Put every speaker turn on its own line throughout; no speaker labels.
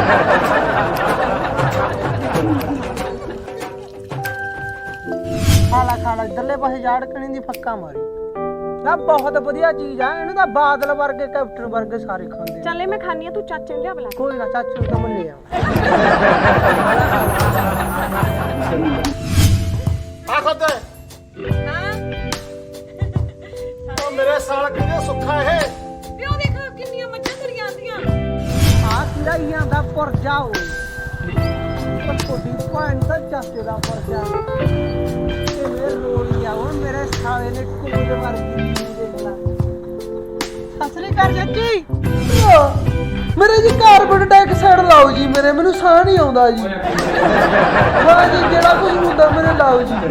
ਖਾਲਾ ਇਧਰਲੇ ਪਾਸੇ ਜਾੜਕਣੀ ਦੀ ਫੱਕਾ ਮਾਰੀ ਨਾ ਬਹੁਤ ਵਧੀਆ ਚੀਜ਼ ਆ ਇਹਨੂੰ ਤਾਂ ਬਾਦਲ ਵਰਗੇ ਕੈਪਟਨ ਵਰਗੇ ਸਾਰੇ ਖਾਂਦੇ
ਚੱਲੇ ਮੈਂ ਖਾਣੀ ਆ ਤੂੰ ਚਾਚੇ ਨੂੰ ਲਿਆ ਬੁਲਾ
ਕੋਈ ਨਾ ਚਾਚੂ ਤਾਂ ਮੰਨੇ ਆ
ਆ ਖਾਦਾ
ਹਾਂ
ਉਹ ਮੇਰੇ ਸਾਲ ਕਿੰਨੇ ਸੁੱਖਾ ਇਹ
ਪਿਓ ਦੇਖ ਕਿੰਨੀਆਂ ਮੱਝਾਂ ਤੁਰੀਆਂ ਆਂਦੀਆਂ
ਆ ਕਿਰਾਈਆਂ ਦਾ ਪਰਜਾ ਹੋਏ ਪਰ ਕੋਡੀ ਪੁਆਇੰਟ ਤਾਂ ਚਾਚੇ ਦਾ ਪਰਜਾ ਤੇ ਮੇਰੇ ਰੋਲੀ ਆ ਉਹ ਮੇਰੇ ਸਾਲੇ ਨੇ ਕੁੱਲ ਵਰਗੀ ਦੇਖ ਲਾ ਅਸਲੀ ਕਰ ਜੱਜੀ ਮੇਰੇ ਜੀ ਕਾਰਬਨ ਡਾਈਆਕਸਾਈਡ ਲਾਓ ਜੀ ਮੈਨੂੰ ਸਾਹ ਨਹੀਂ ਆਉਂਦਾ ਜੀ ਹਾਂ ਜੀ ਜਿਹੜਾ ਕੁਝ ਹੁੰਦਾ ਮੇਰੇ ਲਾਓ ਜੀ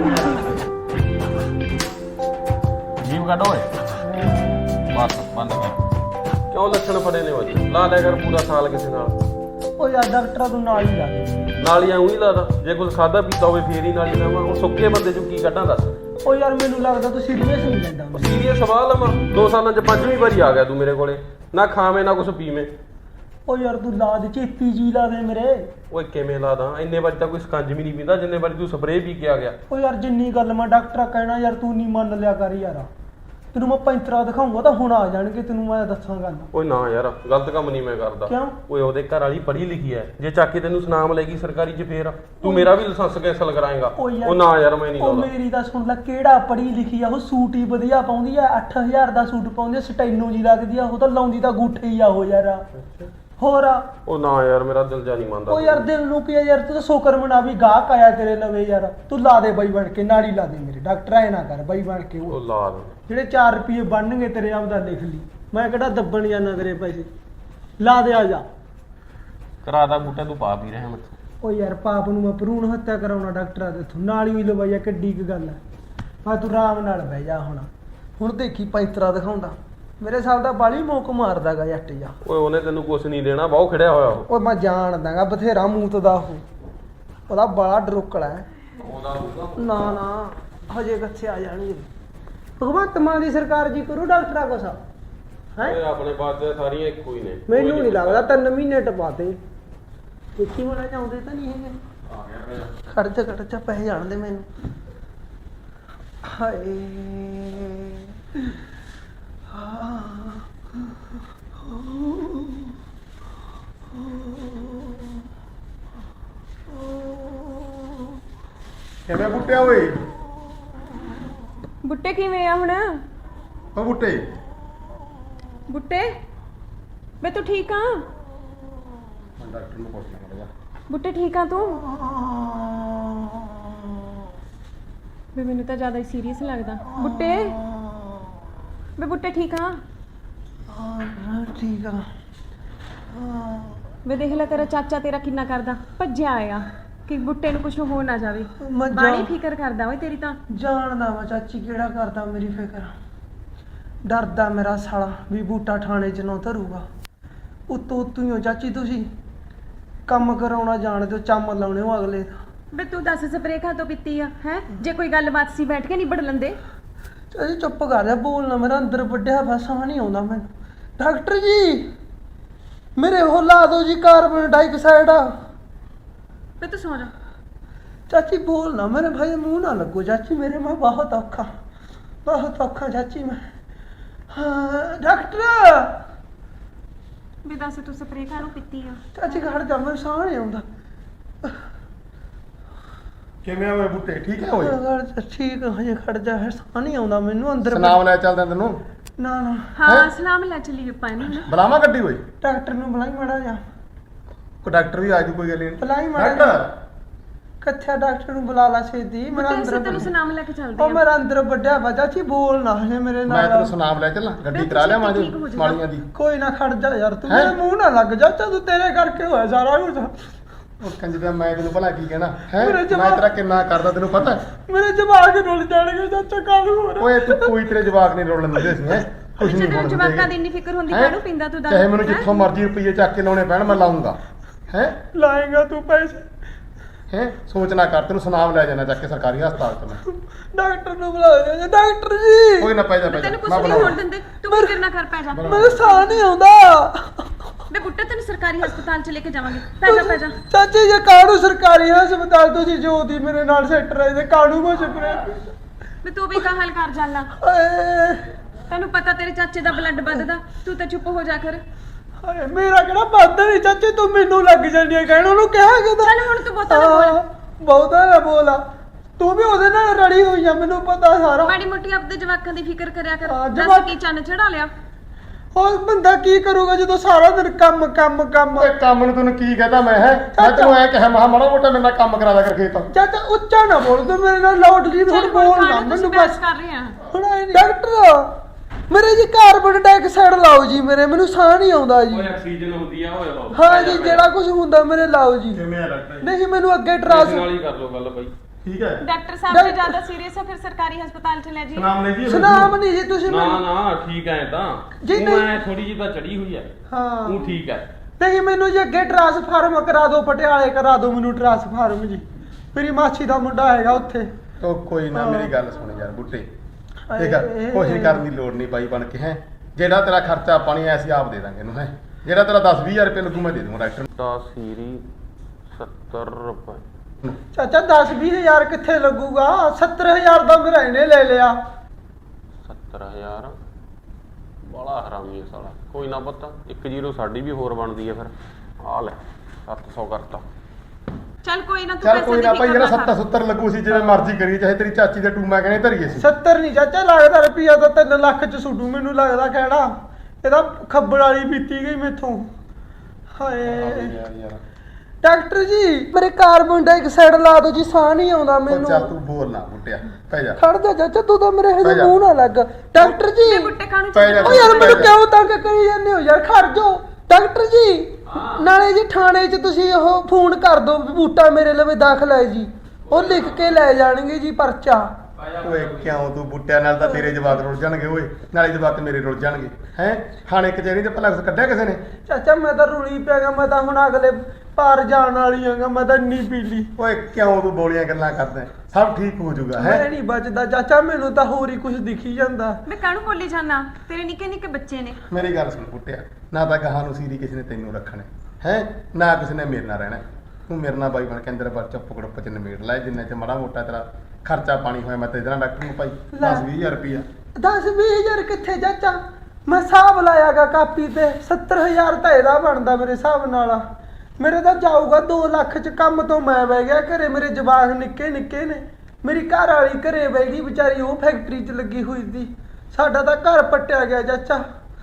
ਜੀਵ ਕੱਢ ਓਏ ਬਸ ਬੰਦ ਕਰ ਕਿਉਂ ਲੱਛਣ ਫੜੇ ਨੇ ਓਏ ਲਾ ਲਿਆ ਕਰ ਪੂਰਾ ਸਾਲ ਕਿਸੇ ਨਾਲ
ਉਹ ਯਾਰ ਡਾਕਟਰਾਂ ਤੋਂ ਨਾਲ ਹੀ ਲਾ ਦੇ
ਨਾਲ ਹੀ ਆਉਂ ਹੀ ਲਾਦਾ ਜੇ ਕੁਝ ਖਾਦਾ ਪੀਤਾ ਹੋਵੇ ਫੇਰ ਹੀ ਨਾਲ ਹੀ ਲਾਵਾਂ ਹੁਣ ਸੁੱਕੇ ਬੰਦੇ ਚੋਂ ਕੀ ਕੱਢਾਂ ਦੱਸ
ਉਹ ਯਾਰ ਮੈਨੂੰ ਲੱਗਦਾ ਤੂੰ ਸੀਰੀਅਸ ਨਹੀਂ ਲੈਂਦਾ
ਸੀਰੀਅਸ ਸਵਾਲ ਲਵਾਂ 2 ਸਾਲਾਂ ਚ 5ਵੀਂ ਵਾਰੀ ਆ ਗਿਆ ਤੂੰ ਮੇਰੇ ਕੋਲੇ ਨਾ ਖਾਵੇਂ ਨਾ ਕੁਝ ਪੀਵੇਂ
ਉਹ ਯਾਰ ਤੂੰ ਲਾ ਦੇ ਚੇਪੀ ਜੀ ਲਾ ਦੇ ਮੇਰੇ
ਓਏ ਕਿਵੇਂ ਲਾਦਾ ਇੰਨੇ ਵਾਰੀ ਤਾਂ ਕੋਈ ਸਕੰਜ ਵੀ ਨਹੀਂ ਪੀਂਦਾ ਜਿੰਨੇ ਵਾਰੀ ਤੂੰ ਸਪਰੇਅ ਪੀ ਕੇ ਆ ਗਿਆ
ਉਹ ਯਾਰ ਜਿੰਨੀ ਗੱਲ ਮੈਂ ਡਾਕਟਰ ਕਹਿਣਾ ਯਾਰ ਤੂੰ ਨਹੀਂ ਮੰਨ ਲਿਆ ਕਰ ਯਾਰ ਤੈਨੂੰ ਮੈਂ ਪੈਂਤਰਾ ਦਿਖਾਉਂਗਾ ਤਾਂ ਹੁਣ ਆ ਜਾਣਗੇ ਤੈਨੂੰ ਮੈਂ ਦੱਸਾਂ ਗੱਲ
ਓਏ ਨਾ ਯਾਰ ਗਲਤ ਕੰਮ ਨਹੀਂ ਮੈਂ ਕਰਦਾ
ਕਿਉਂ
ਓਏ ਉਹਦੇ ਘਰ ਵਾਲੀ ਪੜ੍ਹੀ ਲਿਖੀ ਐ ਜੇ ਚੱਕ ਕੇ ਤੈਨੂੰ ਸੁਨਾਮ ਲੈਗੀ ਸਰਕਾਰੀ ਚ ਫੇਰ ਤੂੰ ਮੇਰਾ ਵੀ ਲਾਇਸੈਂਸ ਕੈਂਸਲ ਕਰਾਏਗਾ ਉਹ ਨਾ ਯਾਰ ਮੈਂ ਨਹੀਂ
ਉਹ
ਲਾਉਂਦਾ
ਮੇਰੀ ਤਾਂ ਸੁਣ ਲੈ ਕਿਹੜਾ ਪੜ੍ਹੀ ਲਿਖੀ ਆ ਉਹ ਸੂਟ ਹੀ ਵਧੀਆ ਪਾਉਂਦੀ ਆ 8000 ਦਾ ਸੂਟ ਪਾਉਂਦੀ ਆ ਸਟੈਨੋ ਜੀ ਲੱਗਦੀ ਆ ਉਹ ਤਾਂ ਲਾਉਂਦੀ ਤਾਂ ਗੂਠੇ ਹੀ ਆ ਉਹ ਯਾਰ ਹੋਰ
ਉਹ ਨਾ ਯਾਰ ਮੇਰਾ ਦਿਲ ਜਾ ਨਹੀਂ ਮੰਨਦਾ
ਉਹ ਯਾਰ ਦਿਲ ਨੂੰ ਕੀ ਆ ਯਾਰ ਤੂੰ ਤਾਂ ਸ਼ੁਕਰ ਮਨਾ ਵੀ ਗਾਹਕ ਆਇਆ ਤੇਰੇ ਲਵੇ ਯਾਰ ਤੂੰ ਲਾ ਦੇ ਬਾਈ ਬਣ ਕੇ ਨਾਲੀ ਲਾ ਦੇ ਮੇਰੇ ਡਾਕਟਰ ਐ ਨਾ ਕਰ ਬਾਈ ਬਣ ਕੇ
ਉਹ ਲਾ ਦੇ
ਜਿਹੜੇ 4 ਰੁਪਏ ਬਣਨਗੇ ਤੇਰੇ ਆਪਦਾ ਲਿਖ ਲਈ ਮੈਂ ਕਿਹੜਾ ਦੱਬਣ ਜਾਣਾ ਤੇਰੇ ਪੈਸੇ ਲਾ ਦੇ ਆ ਜਾ
ਕਰਾ ਦਾ ਬੂਟਾ ਤੂੰ ਪਾ ਪੀ ਰਿਹਾ ਮੈਂ
ਉਹ ਯਾਰ ਪਾਪ ਨੂੰ ਮੈਂ ਭਰੂਣ ਹੱਤਿਆ ਕਰਾਉਣਾ ਡਾਕਟਰਾਂ ਦੇ ਇੱਥੋਂ ਨਾਲ ਹੀ ਲਵਾਈਆ ਕਿੱਡੀ ਕੁ ਗੱਲ ਹੈ ਆ ਤੂੰ ਆਰਾਮ ਨਾਲ ਬਹਿ ਜਾ ਹੁਣ ਦੇਖੀ ਪੈਂਤਰਾ ਦਿਖਾਉਂਦਾ ਮੇਰੇ ਸਾਲ ਦਾ ਬਾਲੀ ਮੋਕ ਮਾਰਦਾਗਾ ਜੱਟ ਜਾ
ਓਏ ਉਹਨੇ ਤੈਨੂੰ ਕੁਝ ਨਹੀਂ ਦੇਣਾ ਬਹੁਤ ਖੜਿਆ ਹੋਇਆ ਉਹ
ਓਏ ਮੈਂ ਜਾਣਦਾਗਾ ਬਥੇਰਾ ਮੂਤ ਦਾ ਉਹਦਾ ਬੜਾ ਡਰੋਕਲਾ ਹੈ ਨਾ ਹਜੇ ਕਿੱਥੇ ਆ ਜਾਣਗੇ ਭਗਵੰਤ ਮਾਨ ਦੀ ਸਰਕਾਰ ਜੀ ਕਰੂ ਡਾਕਟਰਾਂ ਕੋਲ ਸਾ
ਓਏ ਆਪਣੇ ਬਾਤ ਸਾਰੀਆਂ ਇੱਕੋ ਹੀ ਨੇ
ਮੈਨੂੰ ਨਹੀਂ ਲੱਗਦਾ 3 ਮਹੀਨੇ ਟਪਾਤੇ ਕਿੱਥੇ ਹੋਣਾ ਚਾਹੁੰਦੇ ਤਾਂ ਨਹੀਂ ਹੈਗੇ
ਆ ਗਿਆ
ਖੜ ਜਾ ਪੈ ਜਾਣਦੇ ਮੈਨੂੰ ਹਾਏ
ਕਿਵੇਂ ਬੁੱਟਿਆ ਓਏ
ਬੁੱਟੇ ਕਿਵੇਂ ਆ ਹੁਣ
ਉਹ ਬੁੱਟੇ
ਬੁੱਟੇ ਵੇ ਤੂੰ ਠੀਕ ਆ
ਮੈਂ ਡਾਕਟਰ ਨੂੰ ਪੁੱਛਣਾ ਪੜੇਗਾ
ਬੁੱਟੇ ਠੀਕ ਆ ਤੂੰ ਵੇ ਮੈਨੂੰ ਤਾਂ ਜ਼ਿਆਦਾ ਹੀ ਸੀਰੀਅਸ ਲੱਗਦਾ ਬੁੱਟੇ ਵੇ ਬੁੱਟੇ ਠੀਕ ਆ
ਠੀਕ ਆ
ਵੇ ਦੇਖ ਲੈ ਤੇਰਾ ਚਾਚਾ ਤੇਰਾ ਕਿੰਨਾ ਕਰਦਾ ਭੱਜਿਆ ਆਇਆ ਕਿ ਬੁੱਟੇ ਨੂੰ ਕੁਝ ਹੋ ਨਾ ਜਾਵੇ
ਮੈਂ
ਬਾਣੀ ਫਿਕਰ ਕਰਦਾ ਓਏ ਤੇਰੀ ਤਾਂ
ਜਾਣਦਾ ਵਾ ਚਾਚੀ ਕਿਹੜਾ ਕਰਦਾ ਮੇਰੀ ਫਿਕਰ ਡਰਦਾ ਮੇਰਾ ਸਾਲਾ ਵੀ ਬੂਟਾ ਥਾਣੇ 'ਚ ਨਾ ਧਰੂਗਾ ਉਤੋਂ ਹੀ ਹੋ ਚਾਚੀ ਤੁਸੀਂ ਕੰਮ ਕਰਾਉਣਾ ਜਾਣਦੇ ਹੋ ਚੰਮ ਲਾਉਣੇ ਹੋ ਅਗਲੇ ਦਾ
ਵੇ ਤੂੰ ਦੱਸ ਸਪਰੇਅ ਖਾਤੋਂ ਪੀਤੀ ਆ ਹੈ ਜੇ ਕੋਈ ਗੱਲਬਾਤ ਸੀ ਬੈਠ ਕੇ ਨਿਬੜ ਲੈਂਦੇ
ਚਾਚੀ ਚੁੱਪ ਕਰ ਜਾ ਬੋਲਣਾ ਮੇਰਾ ਅੰਦਰ ਵੱਡਿਆ ਬਸ ਆ ਨਹੀਂ ਆਉਂਦਾ ਮੈਨੂੰ ਡਾਕਟਰ ਜੀ ਮੇਰੇ ਉਹ ਲਾ ਦਿਓ ਜੀ ਕਾਰਬਨ ਡਾਈਆਕਸਾਈਡ
ਵੇ ਤੂੰ ਸੌ ਜਾ
ਚਾਚੀ ਬੋਲਣਾ ਮੇਰੇ ਭਾਈ ਮੂੰਹ ਨਾ ਲੱਗੋ ਚਾਚੀ ਮੇਰੇ ਮੈਂ ਬਹੁਤ ਔਖਾ ਚਾਚੀ ਮੈਂ ਹਾਂ ਡਾਕਟਰ
ਵੀ ਦੱਸ ਤੂੰ ਸਪਰੇਅ ਖਾਣੋਂ ਪੀਤੀ ਆ
ਚਾਚੀ ਖੜ ਜਾ ਮੈਨੂੰ ਸਾਹ ਨਹੀਂ ਆਉਂਦਾ
ਕਿਵੇਂ ਓਏ ਬੁੱਟੇ ਠੀਕ ਹੈ ਓਏ
ਠੀਕ ਹਜੇ ਖੜ ਜਾ ਸਾਹ ਨਹੀਂ ਆਉਂਦਾ ਮੈਨੂੰ ਅੰਦਰ
ਸੁਨਾਮ ਲੈ ਚੱਲਦਾ ਤੈਨੂੰ
ਨਾ
ਹਾਂ ਸਲਾਮ ਲੈ ਚੱਲੀਏ ਪਾਣੀ
ਬੁਲਾਵਾ ਗੱਡੀ ਓਏ
ਡਾਕਟਰ ਨੂੰ ਬੁਲਾਈ ਮਾੜਾ ਜਾ
ਕੋ ਡਾਕਟਰ ਵੀ ਆ ਜੂ ਕੋਈ ਗੱਲ ਨਹੀਂ
ਬੁਲਾਈ ਮਾੜਾ
ਡਾਕਟਰ
ਕੱਥਾ ਡਾਕਟਰ ਨੂੰ ਬੁਲਾ ਲਾ ਛੇਤੀ ਮੇਰਾ ਅੰਦਰ
ਤੈਨੂੰ ਸਲਾਮ ਲੈ ਕੇ ਚੱਲਦੇ
ਉਹ ਮੇਰਾ ਅੰਦਰ ਵੱਡਿਆ ਵਾ ਚਾਚੀ ਬੋਲ ਨਾ ਹਜੇ ਮੇਰੇ
ਮੈਂ
ਨਾਲ
ਤੈਨੂੰ ਸੁਨਾਮ ਲੈ ਚੱਲਾਂ ਗੱਡੀ ਕਰਾ ਲਿਆ ਮਾਂ ਦੀ ਮਾਲੀਆਂ ਦੀ
ਕੋਈ ਨਾ ਖੜ ਜਾ ਯਾਰ ਤੂੰ ਮੇਰੇ ਮੂੰਹ ਨਾ ਲੱਗ ਜਾ ਤੂੰ ਤੇਰੇ ਕਰਕੇ ਹੋਇਆ ਸਾਰਾ ਕੁਝ
ਉਹ ਕੰਜਦਾ ਮੈਂ ਤੈਨੂੰ ਭਲਾ ਕੀ ਕਹਿਣਾ ਹੈ
ਮੇਰੇ
ਮੈਂ
ਜਵਾਬ-
ਤੇਰਾ ਕਿੰਨਾ ਕਰਦਾ ਤੈਨੂੰ ਪਤਾ
ਮੇਰੇ ਜਵਾਕ ਰੁੱਲ ਜਾਣਗੇ ਚਾਚਾ ਕੱਲ ਹੋਰ
ਓਏ ਤੂੰ ਕੋਈ ਤੇਰੇ ਜਵਾਕ ਨਹੀਂ ਰੋਲਣ ਦਿੰਦੇ ਸੀ ਹੈ ਕੁਝ ਨਹੀਂ
ਜਦੋਂ ਜਵਾਕਾਂ ਦੀ ਇੰਨੀ ਫਿਕਰ ਹੁੰਦੀ ਕਾਹਨੂੰ ਪਿੰਦਾ ਤੂੰ ਦੱਸ
ਚਾਹੇ ਮੈਨੂੰ ਜਿੱਥੋਂ ਮਰਜ਼ੀ ਰੁਪਈਏ ਚੱਕ ਕੇ ਲਾਉਣੇ ਪੈਣ ਮੈਂ ਲਾਉਂਗਾ ਹੈ
ਲਾਏਗਾ ਤੂੰ ਪੈਸੇ
ਹੈ ਸੋਚ ਨਾ ਕਰ ਤੈਨੂੰ ਸੁਨਾਮ ਲੈ ਜਾਣਾ ਚੱਕ ਕੇ ਸਰਕਾਰੀ ਹਸਪਤਾਲ ਚ ਮੈਂ
ਡਾਕਟਰ ਨੂੰ ਬੁਲਾ ਦੇ ਡਾਕਟਰ ਜੀ
ਕੋਈ ਨਾ ਪੈ ਜਾ
ਤੈਨੂੰ ਕੁਝ
ਮੈਂ
ਨਹੀਂ
ਬੁਲਾਉਂਦਾ
ਹੋਣ ਦਿੰਦੇ ਤੂੰ ਫਿਕਰ ਨਾ ਕਰ ਪੈ ਜਾ
ਮੈਨੂੰ ਸਾਹ ਨਹੀਂ ਆਉਂਦਾ
ਬੇ ਬੁੱਟੇ ਤੈਨੂੰ ਸਰਕਾਰੀ ਹਸਪਤਾਲ ਚ ਲੈ ਕੇ ਜਾਵਾਂਗੇ। ਪੈ ਜਾ
ਚਾਚੀ ਜੇ ਕਾਣੂ ਸਰਕਾਰੀ ਹਸਪਤਾਲ ਤੁਸੀਂ ਜੋਦੀ ਮੇਰੇ ਨਾਲ ਸੈੱਟ ਰਹੇ ਤੇ ਕਾਣੂ ਕੋ ਛਪਰੇ
ਬੇ ਤੂੰ ਵੀ ਕਾ ਹਾਲ ਕਰ ਜਾਣਾ।
ਹਾਏ
ਤੈਨੂੰ ਪਤਾ ਤੇਰੇ ਚਾਚੇ ਦਾ ਬਲੱਡ ਵੱਧਦਾ, ਤੂੰ ਤਾਂ ਚੁੱਪ ਹੋ ਜਾ ਕਰ।
ਹਾਏ ਮੇਰਾ ਕਿਹੜਾ ਵੱਧ ਨਹੀਂ ਚਾਚੀ, ਤੂੰ ਮੈਨੂੰ ਲੱਗ ਜਾਂਦੀ ਹੈ ਕਹਿਣ, ਉਹਨੂੰ ਕਿਹਾ ਕਿਦਾ।
ਚੱਲ ਹੁਣ ਤੂੰ ਬਹੁਤਾ ਨਾ ਬੋਲ।
ਬਹੁਤਾ ਨਾ ਬੋਲਾ, ਤੂੰ ਵੀ ਉਹਦੇ ਨਾਲ ਰੜੀ ਹੋਈ ਆ, ਮੈਨੂੰ ਪਤਾ ਸਾਰਾ।
ਮਾੜੀ ਮੋਟੀ ਆਪਣੇ ਜਵਾਕਾਂ ਦੀ ਫਿਕਰ ਕਰਿਆ ਕਰ।
ਹਾਂ,
ਦੱਸ ਕੀ ਚੰਨ ਚੜਾ ਲਿਆ।
ਹੋਰ ਬੰਦਾ ਕੀ ਕਰੂਗਾ ਜਦੋਂ ਸਾਰਾ ਦਿਨ ਕੰਮ ਕੰਮ ਕੰਮ।
ਓਏ ਕੰਮ ਨੂੰ ਤੈਨੂੰ ਕੀ ਕਹਤਾ ਮੈਂ ਮੈਂ ਤੈਨੂੰ ਐ ਕਿਹਾ ਮਾੜਾ ਮੋਟਾ ਮੇਰੇ ਨਾਲ ਕੰਮ ਕਰਾ ਦਿਆ ਕਰ ਖੇਤ।
ਚਾਚਾ ਉੱਚਾ ਨਾ ਬੋਲ, ਤੂੰ ਮੇਰੇ ਨਾਲ ਲਾਉਡਲੀ ਥੋੜੀ
ਚੱਲ
ਬੋਲ ਨਾ
ਮੈਨੂੰ
ਮੈਨੂੰ
ਬਸ
ਬਸ।
ਕਰ ਰਹੇ ਆ।
ਹੁਣ ਡਾਕਟਰ ਮੇਰੇ ਜੀ ਕਾਰਬਨ ਡਾਈਆਕਸਾਈਡ ਲਾਓ ਜੀ, ਮੇਰੇ ਮੈਨੂੰ ਸਾਹ ਨਹੀਂ ਆਉਂਦਾ ਜੀ।
ਆਕਸੀਜਨ ਹੁੰਦੀ ਆ ਓਏ ਹੋ।
ਹਾਂ ਜੀ ਜਿਹੜਾ ਕੁਝ ਹੁੰਦਾ ਮੇਰੇ ਲਾਓ ਜੀ।
ਕਿਵੇਂ ਆ ਡਾਕਟਰ?
ਨਹੀਂ ਮੈਨੂੰ ਅੱਗੇ
ਨਾਲ
ਟਰਾਂਸ
ਹੀ ਕਰ ਲੋ ਗੱਲ ਬਾਈ।
ਠੀਕ ਹੈ।
ਡਾਕਟਰ ਸਾਹਿਬ ਜੇ ਜ਼ਿਆਦਾ ਸੀਰੀਅਸ ਹੈ ਫਿਰ ਸਰਕਾਰੀ ਹਸਪਤਾਲ ਚ ਲੈ ਜੀ।
ਨਾਮ ਲੈ ਜੀ।
ਸੁਨਾਮ ਨਹੀਂ ਜੀ ਤੁਸੀਂ
ਨਾ
ਮੈਨੂੰ।
ਨਾ ਠੀਕ ਐ ਤਾਂ
ਜੀ
ਤੂੰ
ਨਹੀਂ।
ਐ ਥੋੜੀ ਜਿਹੀ ਤਾਂ ਚੜੀ ਹੋਈ ਐ।
ਹਾਂ
ਤੂੰ ਠੀਕ ਐ।
ਨਹੀਂ ਮੈਨੂੰ ਜੀ ਅੱਗੇ ਟਰਾਂਸਫਾਰਮ ਕਰਾ ਦਿਓ, ਪਟਿਆਲੇ ਕਰਾ ਦਿਓ ਮੈਨੂੰ ਟਰਾਂਸਫਾਰਮ ਜੀ। ਮੇਰੀ ਮਾਛੀ ਦਾ ਮੁੰਡਾ ਹੈਗਾ ਉੱਥੇ।
ਉਹ ਕੋਈ ਨਾ ਮੇਰੀ ਗੱਲ ਸੁਣ ਯਾਰ ਬੁੱਟੇ, ਠੀਕ ਆ ਕੋਸ਼ਿਸ਼ ਕਰਨ ਦੀ ਲੋੜ ਨਹੀਂ ਬਾਈ ਬਣ ਕੇ ਹੈ। ਜਿਹੜਾ ਤੇਰਾ ਖਰਚਾ ਪਾਣੀ ਐ ਅਸੀਂ ਆਪ ਦੇ ਦਾਂਗੇ ਇਹਨੂੰ ਹੈ। ਜਿਹੜਾ ਤੇਰਾ 10-20 ਰੁਪਏ ਲੱਗੂ ਮੈਂ ਦੇ ਦੂੰਗਾ ਡਾਕਟਰ ਨੂੰ।
ਤਾਂ ਸੀਰੀ 70 ਰੁਪਏ।
ਚਾਚਾ 10-20 ਹਜ਼ਾਰ ਕਿੱਥੇ ਲੱਗੂਗਾ? 70,000 ਦਾ ਮੇਰਾ ਇਹਨੇ ਲੈ ਲਿਆ।
70,000 ਬੜਾ ਹਰਾਮੀ ਹੈ ਸਾਲਾ। ਕੋਈ ਨਾ ਪੁੱਤ 1-0 ਸਾਡੀ ਵੀ ਹੋਰ ਬਣਦੀ ਹੈ ਫਿਰ। ਆ ਲੈ 700 ਕਰਤਾ।
ਚੱਲ ਕੋਈ ਨਾ ਤੂੰ
ਚੱਲ
ਪੈਸੇ
ਕੋਈ
ਦੀ
ਨਾ ਭਾਈ,
ਫਿਕਰ
ਜਿਹੜਾ
ਨਾ ਕਰ।
70-70 ਲੱਗੂ ਸੀ ਜਿਵੇਂ ਮਰਜ਼ੀ ਕਰੀਏ, ਚਾਹੇ ਤੇਰੀ ਚਾਚੀ ਦੇ ਟੂਮਾ ਕਹਿੰਦੇ ਧਰੀਏ ਸੀ।
70 ਨਹੀਂ ਚਾਚਾ ਲੱਗਦਾ, ਰੁਪਈਆ ਤਾਂ 3 ਲੱਖ ਚ ਸੁੱਟੂ ਮੈਨੂੰ ਲੱਗਦਾ ਕਿਹੜਾ। ਇਹਦਾ ਖੱਬੜ ਵਾਲੀ ਬੀਤੀ ਗਈ ਮੈਥੋਂ। ਹਾਏ
ਯਾਰ
ਡਾਕਟਰ ਜੀ ਮੇਰੇ ਕਾਰਬਨ ਡਾਈਆਕਸਾਈਡ ਲਾ ਦਿਓ ਜੀ, ਸਾਹ ਨਹੀਂ ਆਉਂਦਾ
ਉਹ
ਮੈਨੂੰ।
ਚੱਲ ਤੂੰ ਬੋਲ ਨਾ ਬੁੱਟਿਆ, ਪੈ ਜਾ।
ਖੜ ਜਾ ਚਾਚਾ, ਤੂੰ ਤਾਂ ਮੇਰੇ
ਪੈ
ਹਜੇ
ਜਾ।
ਮੂੰਹ ਨਾ ਲੱਗ। ਡਾਕਟਰ ਜੀ
ਬੇ ਬੁੱਟੇ ਕਾਹਨੂੰ
ਪੈ ਜਾ।
ਓ ਯਾਰ ਮੈਨੂੰ ਕਿਉਂ ਤੰਗ ਕਰੀ ਜਾਂਦੇ ਹੋ ਯਾਰ, ਖੜ ਜਾਓ। ਡਾਕਟਰ ਜੀ ਨਾਲੇ ਜੀ ਥਾਣੇ 'ਚ ਤੁਸੀਂ ਉਹ ਫੋਨ ਕਰ ਦਿਓ ਵੀ ਬੂਟਾ ਮੇਰੇ ਲਵੇ ਦਾਖਲ ਹੈ ਜੀ, ਉਹ ਲਿਖ ਕੇ ਲੈ ਜਾਣਗੇ ਜੀ ਪਰਚਾ।
ਓਏ ਕਿਉਂ ਤੂੰ ਬੁੱਟਿਆ ਨਾਲ ਤਾਂ ਤੇਰੇ ਜਵਾਕ ਰੁੱਝ ਜਾਣਗੇ ਓਏ, ਨਾਲੇ ਜਵਾਕ ਮੇਰੇ ਰੁੱਝ ਜਾਣਗੇ ਹੈ। ਥਾਣੇ ਕਚਹਿਰੀ ਤੇ ਭਲਾ ਕੁਛ ਕੱਢਿਆ ਕਿਸੇ ਨੇ?
ਚਾਚਾ ਮੈਂ ਤਾਂ ਰੁਲੀ ਪਿਆ ਗਾ, ਮੈਂ ਤਾਂ ਹੁਣ ਅਗਲੇ ਪਾਰ ਜਾਣ ਵਾਲੀ ਆਂਗਾ, ਮੈਂ ਤਾਂ ਇੰਨੀ ਪੀਲੀ।
ਓਏ ਕਿਉਂ ਤੂੰ ਬੋਲੀਆਂ ਗੱਲਾਂ ਕਰਦਾ? ਸਭ ਠੀਕ ਹੋ ਜਾਊਗਾ ਹੈ।
ਮੈਂ ਨਹੀਂ ਬਚਦਾ ਚਾਚਾ, ਮੈਨੂੰ ਤਾਂ ਹੋਰ ਹੀ ਕੁਝ ਦਿਖੀ ਜਾਂਦਾ।
ਮੈਂ ਕਾਹਨੂੰ ਬੋਲੀ ਜਾਣਾ? ਤੇਰੇ ਨਿੱਕੇ ਨਿੱਕੇ ਬੱਚੇ ਨੇ।
ਮੇਰੀ ਗੱਲ ਸੁਣ ਬੁੱਟਿਆ, ਨਾ ਤਾਂ ਗਾਹਾਂ ਨੂੰ ਸੀਰੀ ਕਿਸੇ ਨੇ ਤੈਨੂੰ ਰੱਖਣਾ ਹੈ, ਨਾ ਕਿਸੇ ਨੇ ਮੇਰੇ ਨਾਲ ਰਹਿਣਾ। ਤੂੰ ਮੇਰੇ ਨਾਲ ਬਾਈ ਬਣ ਕੇ ਅੰਦਰ ਬਾਹਰ ਚੁੱਪ ਗੜੁੱਪ ਚ ਨਿਬੇੜ ਲੈ, ਜਿੰਨੇ ਚ ਮਾੜਾ ਮੋਟਾ ਤੇਰਾ ਖਰਚਾ ਪਾਣੀ ਹੋਇਆ ਮੈਂ ਤੇਰੇ ਨਾਲ ਡਾਕਟਰ ਨੂੰ ਭਾਈ 10-20 ਹਜ਼ਾਰ ਰੁਪਈਆ।
10-20 ਹਜ਼ਾਰ ਕਿੱਥੇ ਚਾਚਾ? ਮੈਂ ਹਿਸਾਬ ਲਾਇਆਗਾ ਕਾਪੀ ਤੇ 70,000 ਤਾਂ ਇਹਦਾ ਬਣਦਾ ਮੇਰੇ ਹਿਸਾਬ ਨਾਲ। ਮੇਰੇ ਤਾਂ ਜਾਊਗਾ 2 ਲੱਖ ਚ। ਕੰਮ ਤੋਂ ਮੈਂ ਬਹਿ ਗਿਆ ਘਰੇ, ਮੇਰੇ ਜਵਾਕ ਨਿੱਕੇ ਨਿੱਕੇ ਨੇ। ਮੇਰੀ ਘਰ ਵਾਲੀ ਘਰੇ ਬਹਿ ਗਈ ਵਿਚਾਰੀ, ਉਹ ਫੈਕਟਰੀ 'ਚ ਲੱਗੀ ਹੋਈ ਸੀ। ਸਾਡਾ ਤਾਂ ਘਰ ਪੱਟਿਆ ਗਿਆ ਚਾਚਾ।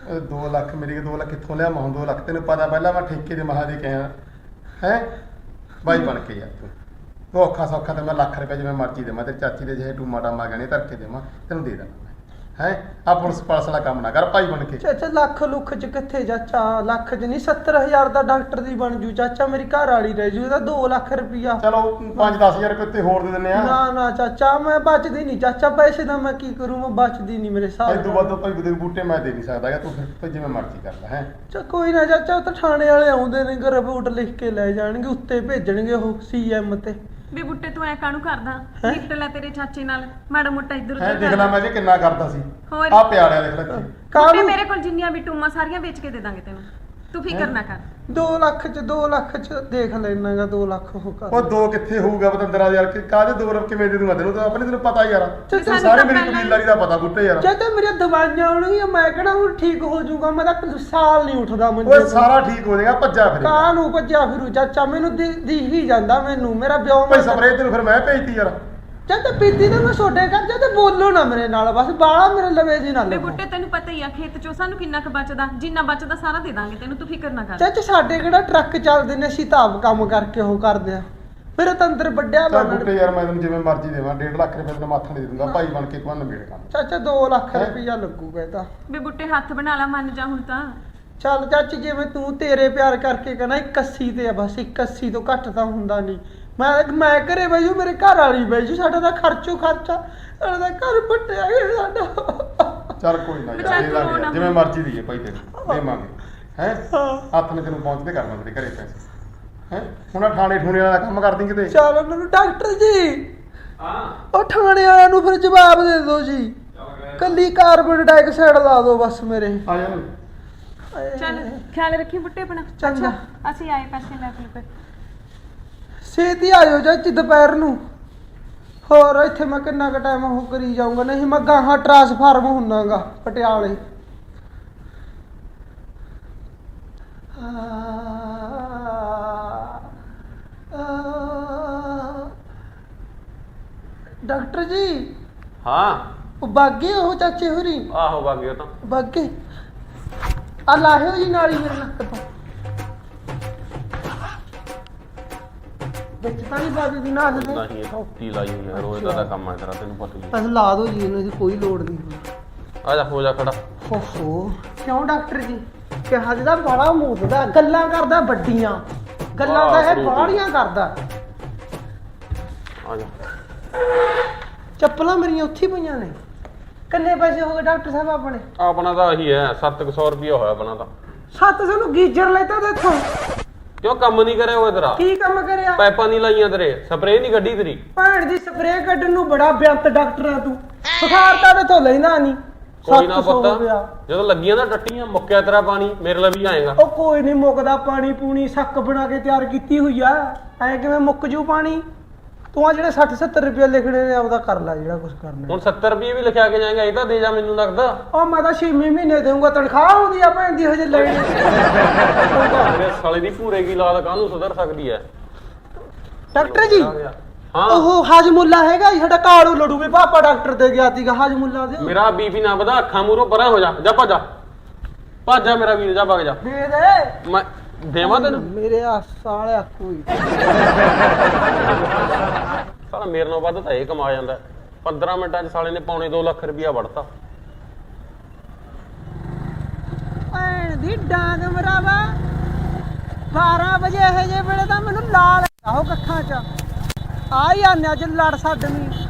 2 ਲੱਖ ਮੇਰੀ 2 ਲੱਖ ਕਿੱਥੋਂ ਲਿਆ? ਮਾਂ 2 ਲੱਖ ਤੈਨੂੰ ਪਤਾ, ਪਹਿਲਾਂ ਮੈਂ ਠੇਕੇ ਦੇ ਮਹਾ ਦੇ ਕੇ ਆਇਆ ਹੈ ਬਾਈ ਬਣ ਕੇ ਯਾਰ। ਤੂੰ ਉਹ ਔਖਾ ਸੌਖਾ ਤੇ ਮੈਂ ਲੱਖ ਰੁਪਏ ਜਿਵੇਂ ਮਰਜ਼ੀ ਦੇਵਾਂ, ਤੇ ਚਾਚੀ ਦੇ ਜਿਹੇ ਟੂਮਾ ਟਾਮਾ ਗਹਿਣੇ ਧਰ ਕੇ ਦੇਵਾਂ, ਤੈਨੂੰ ਦੇ ਦੇਣਾ ਹੈ। ਆ ਪੁਲਿਸ ਪਾਲਸ ਵਾਲਾ ਕੰਮ ਨਾ ਕਰ ਭਾਈ ਬਣ ਕੇ।
ਚਾਚਾ ਲੱਖ ਲੁੱਖ ਚ ਕਿੱਥੇ ਚਾਚਾ? ਲੱਖ ਚ ਨਹੀਂ, 70,000 ਦਾ ਡਾਕਟਰ ਦੀ ਬਣ ਜੂ ਚਾਚਾ। ਮੇਰੀ ਘਰ ਵਾਲੀ ਰਹਿ ਜੂ, ਇਹਦਾ 2 ਲੱਖ ਰੁਪਈਆ।
ਚਲੋ 5-10 ਹਜ਼ਾਰ ਰੁਪਏ ਤੇ ਹੋਰ ਦੇ ਦਿੰਨੇ ਆ।
ਨਾ ਨਾ ਚਾਚਾ ਮੈਂ ਬਚਦੀ ਨਹੀਂ ਚਾਚਾ, ਪੈਸੇ ਦਾ ਮੈਂ ਕੀ ਕਰੂੰ, ਮੈਂ ਬਚਦੀ ਨਹੀਂ ਮੇਰੇ
ਇਹ
ਹਿਸਾਬ
ਤੋਂ ਵੱਧ ਭਾਈ ਦੇ ਬੂਟੇ ਮੈਂ ਦੇ ਨਹੀਂ ਸਕਦਾ ਗਾ, ਤੂੰ ਫਿਰ ਜਿਵੇਂ ਮਰਜ਼ੀ ਕਰ ਲੈ ਹੈ।
ਚਾ ਕੋਈ ਨਾ ਚਾਚਾ, ਉਹ ਤਾਂ ਥਾਣੇ ਵਾਲੇ ਆਉਂਦੇ ਨੇ, ਰਿਪੋਰਟ ਲਿਖ ਕੇ ਲੈ ਜਾਣਗੇ, ਉੱਤੇ ਭੇਜਣਗੇ ਉਹ CM ਤੇ।
ਬੇ ਬੁੱਟੇ ਤੂੰ ਐ ਕਾਹਨੂੰ ਕਰਦਾ? ਨਿਕਟ ਲੈ ਤੇਰੇ ਚਾਚੇ ਨਾਲ ਮਾੜਾ ਮੋਟਾ ਇੱਧਰ
ਹੈ
ਉੱਧਰ
ਦੇਖ ਲੈ ਮੈਂ ਜੇ ਕਿੰਨਾ ਕਰਦਾ ਸੀ।
ਹੋਰ?
ਆ ਪਿਆੜਿਆ ਦੇਖ ਲੈ ਇੱਥੇ।
ਬੁੱਟੇ
ਕਾਹਨੂੰ
ਮੇਰੇ ਕੋਲ ਜਿੰਨੀਆਂ ਵੀ ਟੂਮਾਂ ਸਾਰੀਆਂ ਵੇਚ ਕੇ ਦੇ ਦਾਂਗੇ ਤੈਨੂੰ, ਤੂੰ ਫਿਕਰ ਨਾ ਕਰ।
2 ਲੱਖ ਚ 2 ਲੱਖ ਚ ਦੇਖ ਲੈਣਾਗਾ, 2 ਲੱਖ ਉਹ ਕਰ।
ਉਹ 2 ਕਿੱਥੇ ਹੋਊਗਾ ਪਤੰਦਰਾ ਯਾਰ, ਕਾਹਦੇ 2 ਰੁਪਏ ਕਿਵੇਂ ਦੇ ਦੂੰਗਾ ਤੈਨੂੰ? ਤਾਂ ਆਪਣੇ ਤੈਨੂੰ ਪਤਾ ਯਾਰ,
ਚਾਚਾ
ਸਾਰੇ ਮੇਰੀ
ਪਹਿਲਾਂ ਹੀ-
ਕਬੀਲਦਾਰੀ ਦਾ ਪਤਾ ਬੂਟੇ ਯਾਰ।
ਚਾਚਾ ਮੇਰੀਆਂ ਦਵਾਈਆਂ ਆਉਣਗੀਆਂ, ਮੈਂ ਕਿਹੜਾ ਹੁਣ ਠੀਕ ਹੋ ਜਾਊਗਾ? ਮੈਂ ਤਾਂ ਸਾਲ ਨਹੀਂ ਉੱਠਦਾ
ਓਏ
ਮੈਨੂੰ।
ਸਾਰਾ ਠੀਕ ਹੋ ਜਾਏਗਾ, ਭੱਜਾ ਫਿਰ
ਕਾਂ ਨੂੰ ਭੱਜਿਆ ਫਿਰੂ ਚਾਚਾ, ਮੈਨੂੰ ਦਿਖ ਹੀ ਜਾਂਦਾ ਮੈਨੂੰ। ਮੇਰਾ ਵਿਆਹ
ਭਾਈ ਸਪਰੇਅ ਤੈਨੂੰ ਫਿਰ ਮੈਂ ਭੇਜਤੀ ਯਾਰ।
ਚਾਚਾ ਪੀਤੀ ਤਾਂ ਮੈਂ ਛੋਡੇ ਕਰ ਜਾ, ਤੇ ਬੋਲੋ ਨਾ ਮੇਰੇ ਨਾਲ, ਬਸ ਬਾਲਾ ਮੇਰੇ ਲਵੇ ਜੀ ਨਾ
ਬੇ
ਲੱਗੋ।
ਬੁੱਟੇ ਤੈਨੂੰ ਪਤਾ ਹੀ ਆ ਖੇਤ ਚੋਂ ਸਾਨੂੰ ਕਿੰਨਾ ਕੁ ਬਚਦਾ, ਜਿੰਨਾ ਬਚਦਾ ਸਾਰਾ ਦੇ ਦਾਂਗੇ ਤੈਨੂੰ, ਤੂੰ ਫਿਕਰ ਨਾ ਕਰ।
ਚਾਚਾ ਸਾਡੇ ਕਿਹੜਾ ਟਰੱਕ ਚੱਲਦੇ ਨੇ, ਅਸੀਂ ਤਾਂ ਆਪ ਕੰਮ ਕਰਕੇ ਉਹ ਕਰਦੇ ਆ। ਮੇਰੇ ਤਾਂ ਅੰਦਰ ਵੱਡਿਆ
ਚੱਲ
ਬਣ।
ਬੂਟੇ ਯਾਰ ਮੈਂ ਤੈਨੂੰ ਜਿਵੇਂ ਮਰਜ਼ੀ ਦੇਵਾਂ, 1.5 ਲੱਖ ਰੁਪਏ ਤੈਨੂੰ ਮਾਥਾ ਨਹੀਂ ਦੇ ਦੂੰਗਾ ਭਾਈ ਬਣ ਕੇ, ਤੂੰ ਨਵੇੜ ਕੰਮ।
ਚਾਚਾ 2 ਲੱਖ ਰੁਪਈਆ ਲੱਗੂਗਾ ਇਹ ਤਾਂ।
ਬੇ ਬੁੱਟੇ ਹੱਥ ਬਣਾ ਲਾ, ਮੰਨ ਜਾ ਹੁਣ ਤਾਂ।
ਚੱਲ ਚਾਚੀ ਜਿਵੇਂ ਤੂੰ ਤੇਰੇ ਪਿਆਰ ਕਰਕੇ ਕਹਿੰਦਾ 81 ਤੇ ਆ, ਬਸ 81 ਤੋਂ ਘੱਟ ਤਾਂ ਹੁੰਦਾ ਨਹੀਂ। ਮੈਂ ਘਰੇ ਬੈਜੂ, ਮੇਰੇ ਘਰ ਵਾਲੀ ਬੈਜੂ, ਸਾਡਾ ਤਾਂ ਖਰਚਾ ਸਾਡਾ ਤਾਂ ਘਰ ਪੱਟਿਆ ਗਿਆ ਸਾਡਾ।
ਚੱਲ ਕੋਈ ਨਾ
ਚੱਲ
ਯਾਰ, ਦੇ
ਤੂੰ
ਦਾਂਗੇ
ਨਾ
ਯਾਰ, ਜਿਵੇਂ ਮਰਜ਼ੀ ਦੀਏ ਭਾਈ ਤੈਨੂੰ ਦੇਵਾਂਗੇ ਹੈ। ਹੱਥ ਨੇ ਤੈਨੂੰ ਪਹੁੰਚਦੇ ਕਰਨਾ ਤੇਰੇ ਘਰੇ ਪੈਸੇ ਹੈ। ਹੁਣ ਥਾਣੇ ਠੂਣੇ ਵਾਲਾ ਕੰਮ ਕਰਦੀ ਕਿਤੇ।
ਚੱਲ ਉਹਨਾਂ ਨੂੰ ਡਾਕਟਰ ਜੀ,
ਹਾਂ
ਉਹ ਥਾਣੇ ਵਾਲਿਆਂ ਨੂੰ ਫਿਰ ਜਵਾਬ ਦੇ ਦਿਓ ਜੀ, ਕੱਲੀ ਕਾਰਬਨ ਡਾਈਆਕਸਾਈਡ ਲਾ ਦਿਓ ਬਸ ਮੇਰੇ।
ਆ ਜਾ
ਚੱਲ ਖਿਆਲ ਰੱਖੀ ਬੁੱਟੇ ਆਪਣਾ।
ਚੰਗਾ।
ਅਸੀਂ ਆਏ ਪੈਸੇ ਲੈ ਕੇ।
ਛੇਤੀ ਆਇਓ ਚਾਚੀ ਦੁਪਹਿਰ ਨੂੰ। ਹੋਰ ਇੱਥੇ ਮੈਂ ਕਿੰਨਾ ਕੁ ਟਾਈਮ ਉਹ ਕਰੀ ਜਾਊਂਗਾ, ਨਹੀਂ ਮੈਂ ਗਾਹਾਂ ਟਰਾਂਸਫਾਰਮ ਹੁੰਨਾਗਾ ਪਟਿਆਲੇ। ਡਾਕਟਰ ਜੀ
ਹਾਂ
ਉਹ ਬਾਗੇ ਉਹ ਚਾਚੇ ਹੋਰੀ
ਆਹੋ ਬਾਗੀ ਉਹ ਤਾਂ
ਬਾਗੇ ਆ ਲਾਹਿਓ ਜੀ ਨਾਲੀ ਮੇਰੇ ਨੱਕ ਤੋਂ ਵਿੱਚ ਤਾਂ ਨਹੀਂ ਬਾਜੀ ਦੀ ਨਾਲ ਦੇ
ਨਹੀਂ ਇਹ ਟੋਪੀ ਲਾਈ ਹੋਈ ਆ ਰੋਜ਼ ਦਾ ਕੰਮ ਹੈ ਤੇਰਾ ਤੈਨੂੰ ਪਤਾ ਹੀ ਹੈ।
ਬਸ ਲਾ ਦੋ ਜੀ ਇਹਨੂੰ, ਇਹਦੀ ਕੋਈ ਲੋੜ ਨਹੀਂ।
ਆ ਜਾ ਹੋ ਜਾ ਖੜਾ।
ਓਹੋ ਕਿਉਂ ਡਾਕਟਰ ਜੀ ਕਿਹਾ ਜਿਹਦਾ ਬੜਾ ਮੂੰਹਦਾ ਗੱਲਾਂ ਕਰਦਾ ਵੱਡੀਆਂ ਗੱਲਾਂ ਤਾਂ ਇਹ ਬਾਹਲੀਆਂ ਕਰਦਾ।
ਆ ਜਾ
ਚੱਪਲਾਂ ਮੇਰੀਆਂ ਉੱਥੇ ਹੀ ਪਈਆਂ ਨੇ। ਕਿੰਨੇ ਪੈਸੇ ਹੋ ਗਏ ਡਾਕਟਰ ਸਾਹਿਬ ਆਪਣੇ?
ਆਪਣਾ ਤਾਂ ਇਹੀ ਹੈ 700 ਰੁਪਇਆ ਹੋਇਆ ਆਪਣਾ ਤਾਂ।
700 ਨੂੰ ਗੀਜਰ ਲੈਤਾ ਦੇਖੋ।
ਕਿਉਂ ਕੰਮ ਨਹੀਂ ਕਰਿਆ ਹੋਇਆ ਤੇਰਾ?
ਕੀ ਕੰਮ ਕਰਿਆ?
ਪਾਈਪਾਂ ਨਹੀਂ ਲਾਈਆਂ ਤੇਰੇ, ਸਪਰੇਅ ਨਹੀਂ ਕੱਢੀ ਤੇਰੀ।
ਭੈਣ ਦੀ ਸਪਰੇਅ ਕੱਢਣ ਨੂੰ ਬੜਾ ਬਿਆੰਤ ਡਾਕਟਰ ਆ ਤੂੰ। ਬੁਖਾਰ ਤਾਂ ਤੇ ਲੈਂਦਾ ਨਹੀਂ।
ਕੋਈ ਨਾ
700 ਹੋ
ਪੁੱਤ
ਗਿਆ।
ਜਦੋਂ ਲੱਗੀਆਂ ਨਾ ਟੱਟੀਆਂ ਮੁੱਕਿਆ ਤੇਰਾ ਪਾਣੀ ਮੇਰੇ ਲਈ ਵੀ ਆਏਗਾ।
ਉਹ ਕੋਈ ਨਹੀਂ ਮੁੱਕਦਾ ਪਾਣੀ ਪੂਣੀ ਸੱਕ ਬਣਾ ਕੇ ਤਿਆਰ ਕੀਤੀ ਹੋਈ ਆ। ਐ ਕਿਵੇਂ ਮੁੱਕ ਜੂ ਪਾਣੀ? ਤੂੰ ਆ ਜਿਹੜੇ 60-70 ਰੁਪਏ ਲਿਖਣੇ ਨੇ ਆਪਦਾ ਕਰ ਲੈ ਜਿਹੜਾ ਕੁਝ ਕਰਨਾ।
ਹੁਣ 70 ਰੁਪਏ ਵੀ ਲਿਖਿਆ ਕੇ ਜਾਏਗਾ, ਇਹ ਤਾਂ ਦੇ ਜਾ ਮੈਨੂੰ ਲੱਗਦਾ।
ਉਹ ਮੈਂ ਤਾਂ 6 ਮਹੀਨੇ ਦੇਊਂਗਾ ਤਨਖਾਹ ਹੁੰਦੀ ਆ ਭੈਣ ਦੀ ਹਜੇ ਲੈਣੀ।
ਮੇਰੇ ਸਾਲੇ ਦੀ ਭੂਰੇ ਕੀ ਲਾਲ ਕਾਹਨੂੰ ਸੁਧਰ ਸਕਦੀ ਹੈ?
ਡਾਕਟਰ ਜੀ
ਹਾਂ
ਉਹ ਹਾਜਮੁੱਲਾ ਹੈਗਾ ਜੀ ਸਾਡਾ ਕਾਲੂ ਲੜੂ ਵੀ ਪਾਪਾ ਡਾਕਟਰ ਦੇ ਗਿਆ ਸੀਗਾ ਹਾਜਮੁੱਲਾ ਦੇ।
ਮੇਰਾ ਬੀਪੀ ਨਾ ਵਧਾ, ਅੱਖਾਂ ਮੂਰੋਂ ਪਰਾਂ ਹੋ ਜਾ, ਜਾ ਭੱਜ ਜਾ ਭੱਜ ਜਾ ਮੇਰਾ ਵੀਰ, ਜਾ ਭੱਜ ਜਾ।
ਦੇ ਦੇ
ਮੈਂ ਦੇਵਾਂ ਤੈਨੂੰ?
ਮੇਰੇ ਆ ਸਾਲਿਆ ਕੋਈ
ਸਾਲਾ ਮੇਰੇ ਨਾਲ ਵੱਧ ਤਾਂ ਇਹ ਕਮਾ ਜਾਂਦਾ। 15 ਮਿੰਟਾਂ 'ਚ ਸਾਲੇ ਨੇ ਪੌਣੇ 2 ਲੱਖ ਰੁਪਇਆ ਵੜਤਾ।
ਭੈਣ ਦੀ ਡਾਂਗ ਮਰਾਵਾ 12 ਵਜੇ ਇਹ ਜੇ ਵੇਲੇ ਤਾਂ ਮੈਨੂੰ ਲਾਲ ਆਹੋ ਕੱਖਾਂ 'ਚ ਆ ਹੀ ਆਨੇ ਅੱਜ ਲੜ ਛੱਡਵੀਂ।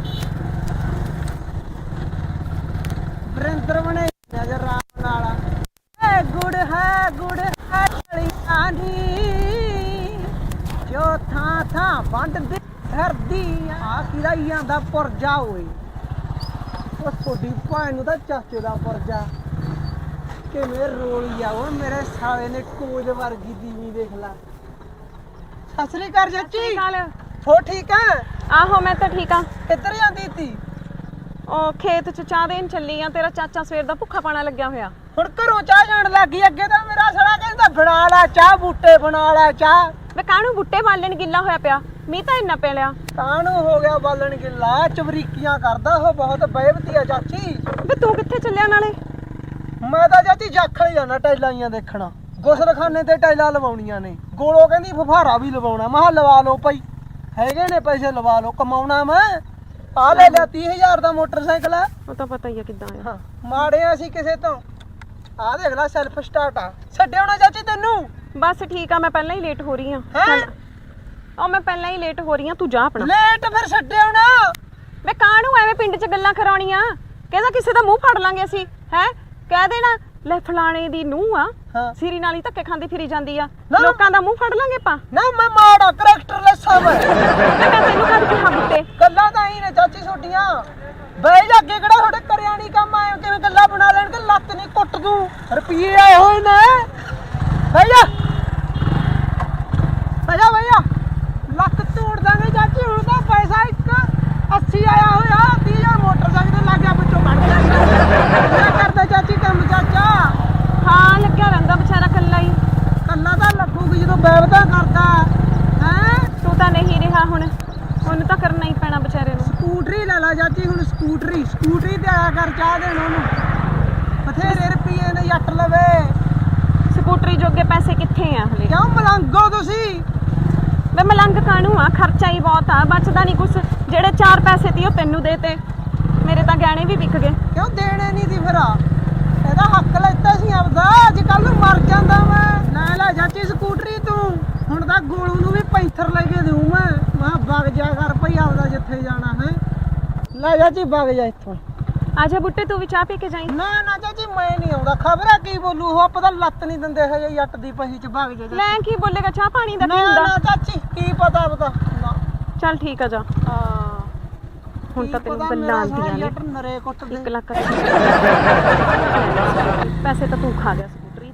ਵਰਿੰਦਰ ਬਣੇ ਨਜ਼ਰ ਰਾਮ ਨਾਲ ਏ ਗੁੜ ਹੈ ਗਲੀਆਂ ਦੀ ਜੋ ਥਾਂ ਥਾਂ ਵੰਡਦੀ ਫਿਰਦੀ ਆ ਕਿਹਦਾ ਹੀ ਆਂਦਾ ਪੁਰਜਾ ਓਏ। ਉਹ ਤੁਹਾਡੀ ਭੈਣ ਨੂੰ ਤਾਂ ਚਾਚੇ ਦਾ ਪੁਰਜਾ ਕਿਵੇਂ ਰੋਲੀ ਆ ਉਹ ਮੇਰੇ ਸਾਲੇ ਨੇ ਕੋਜ ਵਰਗੀ ਦੀਵੀ ਦੇਖ ਲਾ। ਸਤਿ ਸ੍ਰੀ ਅਕਾਲ ਚਾਚੀ। ਹੋ ਠੀਕ ਆ?
ਆਹੋ ਮੈਂ ਤਾਂ ਠੀਕ ਆ।
ਕਿੱਧਰ ਜਾਂਦੀ ਤੀ?
ਉਹ ਖੇਤ 'ਚ ਚਾਹ ਦੇਣ ਚੱਲੀ ਆ। ਤੇਰਾ ਚਾਚਾ ਸਵੇਰ ਦਾ ਭੁੱਖਾ ਪਾਣਾ ਲੱਗਿਆ ਹੋਇਆ।
ਹੁਣ ਘਰੋਂ ਚਾਹ ਜਾਣ ਲੱਗੀ। ਅੱਗੇ ਤਾਂ ਮੇਰਾ ਸਾਲਾ ਕਹਿੰਦਾ ਬਣਾ ਲੈ ਚਾਹ, ਬੂਟੇ ਬਣਾ ਲੈ ਚਾਹ।
ਵੇ ਕਾਹਨੂੰ ਬੁੱਟੇ ਬਾਲਣ ਗਿੱਲਾ ਹੋਇਆ ਪਿਆ? ਮੀਂਹ ਤਾਂ ਇੰਨਾ ਪੈ ਲਿਆ।
ਕਾਹਨੂੰ ਹੋ ਗਿਆ ਬਾਲਣ ਗਿੱਲਾ? ਚਵਰੀਕੀਆਂ ਕਰਦਾ ਉਹ ਬਹੁਤ ਬੇਵਤੀ ਆ ਚਾਚੀ।
ਵੇ ਤੂੰ ਕਿੱਥੇ ਚੱਲਿਆ ਨਾਲੇ?
ਮੈਂ ਤਾਂ ਚਾਚੀ ਜਾਖਲ ਜਾਣਾ ਟਾਈਲਾਂ ਦੇਖਣਾ। ਗੁਸਲਖਾਨੇ ਤੇ ਟਾਈਲਾਂ ਲਵਾਉਣੀਆਂ ਨੇ। ਗੋਲੋ ਕਹਿੰਦੀ ਫੁਫਾਰਾ ਵੀ ਲਵਾਉਣਾ। ਮੈਂ ਕਿਹਾ ਲਵਾ ਲਓ ਭਾਈ, ਹੈਗੇ ਨੇ ਪੈਸੇ ਲਵਾ ਲਓ, ਕਮਾਉਣਾ ਮੈਂ। ਆ ਲੈ ਲਿਆ 30,000 ਦਾ ਮੋਟਰਸਾਈਕਲ ਆ।
ਉਹ ਤਾਂ ਪਤਾ ਹੀ ਆ ਕਿੱਦਾਂ ਆ।
ਹਾਂ ਮਾੜੇ ਆ ਅਸੀਂ ਕਿਸੇ ਤੋਂ। ਆ ਦੇਖ ਲੈ ਸੈਲਫ ਸਟਾਰਟ ਆ। ਛੱਡਿਓ ਨਾ ਚਾਚੀ ਤੈਨੂੰ।
ਬਸ ਠੀਕ ਆ, ਮੈਂ ਪਹਿਲਾਂ ਹੀ ਲੇਟ ਹੋ ਰਹੀ ਆ।
ਹੈਂ?
ਉਹ ਮੈਂ ਪਹਿਲਾਂ ਹੀ ਲੇਟ ਹੋ ਰਹੀ ਆ, ਤੂੰ ਜਾ ਆਪਣਾ।
ਲੇਟ ਫਿਰ ਛੱਡਿਓ ਨਾ।
ਵੇ ਕਾਹਨੂੰ ਐਵੇਂ ਪਿੰਡ 'ਚ ਗੱਲਾਂ ਕਰਾਉਣੀਆਂ? ਕਹਿੰਦਾ ਕਿਸੇ ਦਾ ਮੂੰਹ ਫੜ ਲਾਂਗੇ ਅਸੀਂ। ਹੈ ਕਹਿ ਦੇਣਾ ਲੈ ਫਲਾਣੇ ਦੀ ਨੂੰਹ ਆ,
ਹਾਂ।
ਸਿਰੀ ਨਾਲ ਹੀ ਧੱਕੇ ਖਾਂਦੀ ਫਿਰੀ ਜਾਂਦੀ ਆ।
ਨਾ।
ਲੋਕਾਂ ਦਾ ਮੂੰਹ ਫੜ ਲਾਂਗੇ ਆਪਾਂ।
ਨਾ ਮੈਂ ਮਾੜਾ ਕਰੈਕਟਰਲੈਸ ਆ ਮੈਂ।
ਮੈਂ ਤੈਨੂੰ ਕਦ ਕਿਹਾ ਬੁੱਟੇ?
ਗੱਲਾਂ ਤਾਂ ਹੀ ਨੇ ਚਾਚੀ ਛੋਟੀਆਂ। ਬਈ ਜਾ ਅੱਗੇ ਕਿਹੜਾ ਤੁਹਾਡੇ ਕਰਿਆ ਨਹੀਂ ਕੰਮ ਆਏ ਕਿਵੇਂ ਗੱਲਾਂ ਬਣਾ ਲੈਣਗੇ। ਲੱਤ ਨਹੀਂ ਕੁੱਟ ਦੂੰ। ਰੁਪਈਏ ਆਏ ਹੋਏ ਨੇ। ਬਈ ਜਾ ਭਈਆ ਲੱਤ ਤੋੜ ਦਾਂਗੇ ਚਾਚੀ। ਹੁਣ ਤਾਂ ਪੈਸਾ 80 ਆਇਆ ਹੋਇਆ। 30,000 ਮੋਟਰਸਾਈਕਲ ਤੇ ਲੱਗ ਗਿਆ, ਵਿੱਚੋਂ ਕੱਢ ਲਿਆ। ਕੀ ਕਰਦਾ ਚਾਚੀ ਕੰਮ ਚਾਚਾ?
ਹਾਂ ਲੱਗਿਆ ਰਹਿੰਦਾ ਵਿਚਾਰਾ ਕੱਲਾ ਹੀ।
ਕੱਲਾ ਤਾਂ ਲੱਗੂਗੀ ਜਦੋਂ ਬੈਵਦਾ ਕਰਦਾ ਹੈ।
ਤੂੰ ਤਾਂ ਨਹੀਂ ਰਿਹਾ ਹੁਣ, ਉਹਨੂੰ ਤਾਂ ਕਰਨਾ ਹੀ ਪੈਣਾ ਵਿਚਾਰੇ ਨੂੰ।
ਸਕੂਟਰੀ ਲੈ ਲਾ ਚਾਚੀ ਹੁਣ। ਸਕੂਟਰੀ ਤੇ ਆਇਆ ਕਰ ਚਾਹ ਦੇਣ ਉਹਨੂੰ। ਬਥੇਰੇ ਰੁਪਈਏ ਨੇ ਜੱਟ ਲਵੇ।
ਸਕੂਟਰੀ ਜੋਗੇ ਪੈਸੇ ਕਿੱਥੇ ਆ ਹਲੇ?
ਕਿਉਂ ਮਲੰਗੋ ਤੁਸੀਂ?
ਵੇ ਮਲੰਗ ਕਾਹਨੂੰ ਆ? ਖਰਚਾ ਹੀ ਬਹੁਤ ਆ, ਬਚਦਾ ਨਹੀਂ ਕੁਛ। ਜਿਹੜੇ 4 ਪੈਸੇ ਤੀ ਉਹ ਤੈਨੂੰ ਦੇਤੇ, ਮੇਰੇ ਤਾਂ ਗਹਿਣੇ ਵੀ ਵਿਕ ਗਏ।
ਕਿਉਂ ਦੇਣੇ ਨਹੀਂ ਦੀ ਫਿਰ? ਇਹਦਾ ਹੱਕ ਲੈਤਾ ਸੀ ਆਪਦਾ। ਅੱਜ ਕੱਲ ਨੂੰ ਮਰ ਜਾਂਦਾ ਮੈਂ। ਲੈ ਚਾਚੀ ਸਕੂਟਰੀ ਤੂੰ। ਹੁਣ ਤਾਂ ਗੋਲੂ ਨੂੰ ਵੀ ਪੈਂਥਰ ਲੈ ਕੇ ਦੇਉ ਮੈਂ। ਵਗ ਜਾ ਕਰ ਭਈ ਆਪਦਾ ਜਿੱਥੇ ਜਾਣਾ ਹੈ। ਲੈ ਚਾਚੀ ਵਗ ਜਾ ਇੱਥੋਂ।
ਆਜਾ ਬੁੱਟੇ ਤੂੰ ਵੀ ਚਾਹ ਪੀ ਕੇ ਜਾਈਂ।
ਨਾ ਚਾਚੀ ਮੈਂ ਨਹੀਂ ਆਉਂਦਾ। ਖਬਰ ਹੈ ਕੀ ਬੋਲੂ ਉਹ? ਪਤਾ ਲੱਤ ਨਹੀਂ ਦਿੰਦੇ ਹਜੇ ਜੱਟ ਦੀ ਪਹੀ ਚ। ਵਗ ਜਾ
ਲੈ ਕੀ ਬੋਲੇਗਾ? ਚਾਹ ਪਾਣੀ ਦਾ ਕੀ
ਨਾ
ਹੁੰਦਾ?
ਚਾਚੀ ਕੀ ਪਤਾ ਨਾ।
ਚੱਲ ਠੀਕ ਆ ਜਾ।
ਹਾਂ
ਹੁਣ ਤਾਂ ਤੈਨੂੰ ਗੱਲਾਂ ਆਉਂਦੀਆਂ ਨੇ।
ਜੱਟ ਨਰੇ ਕੁੱਟ ਦੇ।
1 ਲੱਖ ਪੈਸੇ ਤਾਂ ਤੂੰ ਖਾ ਗਿਆ ਸਕੂਟਰੀ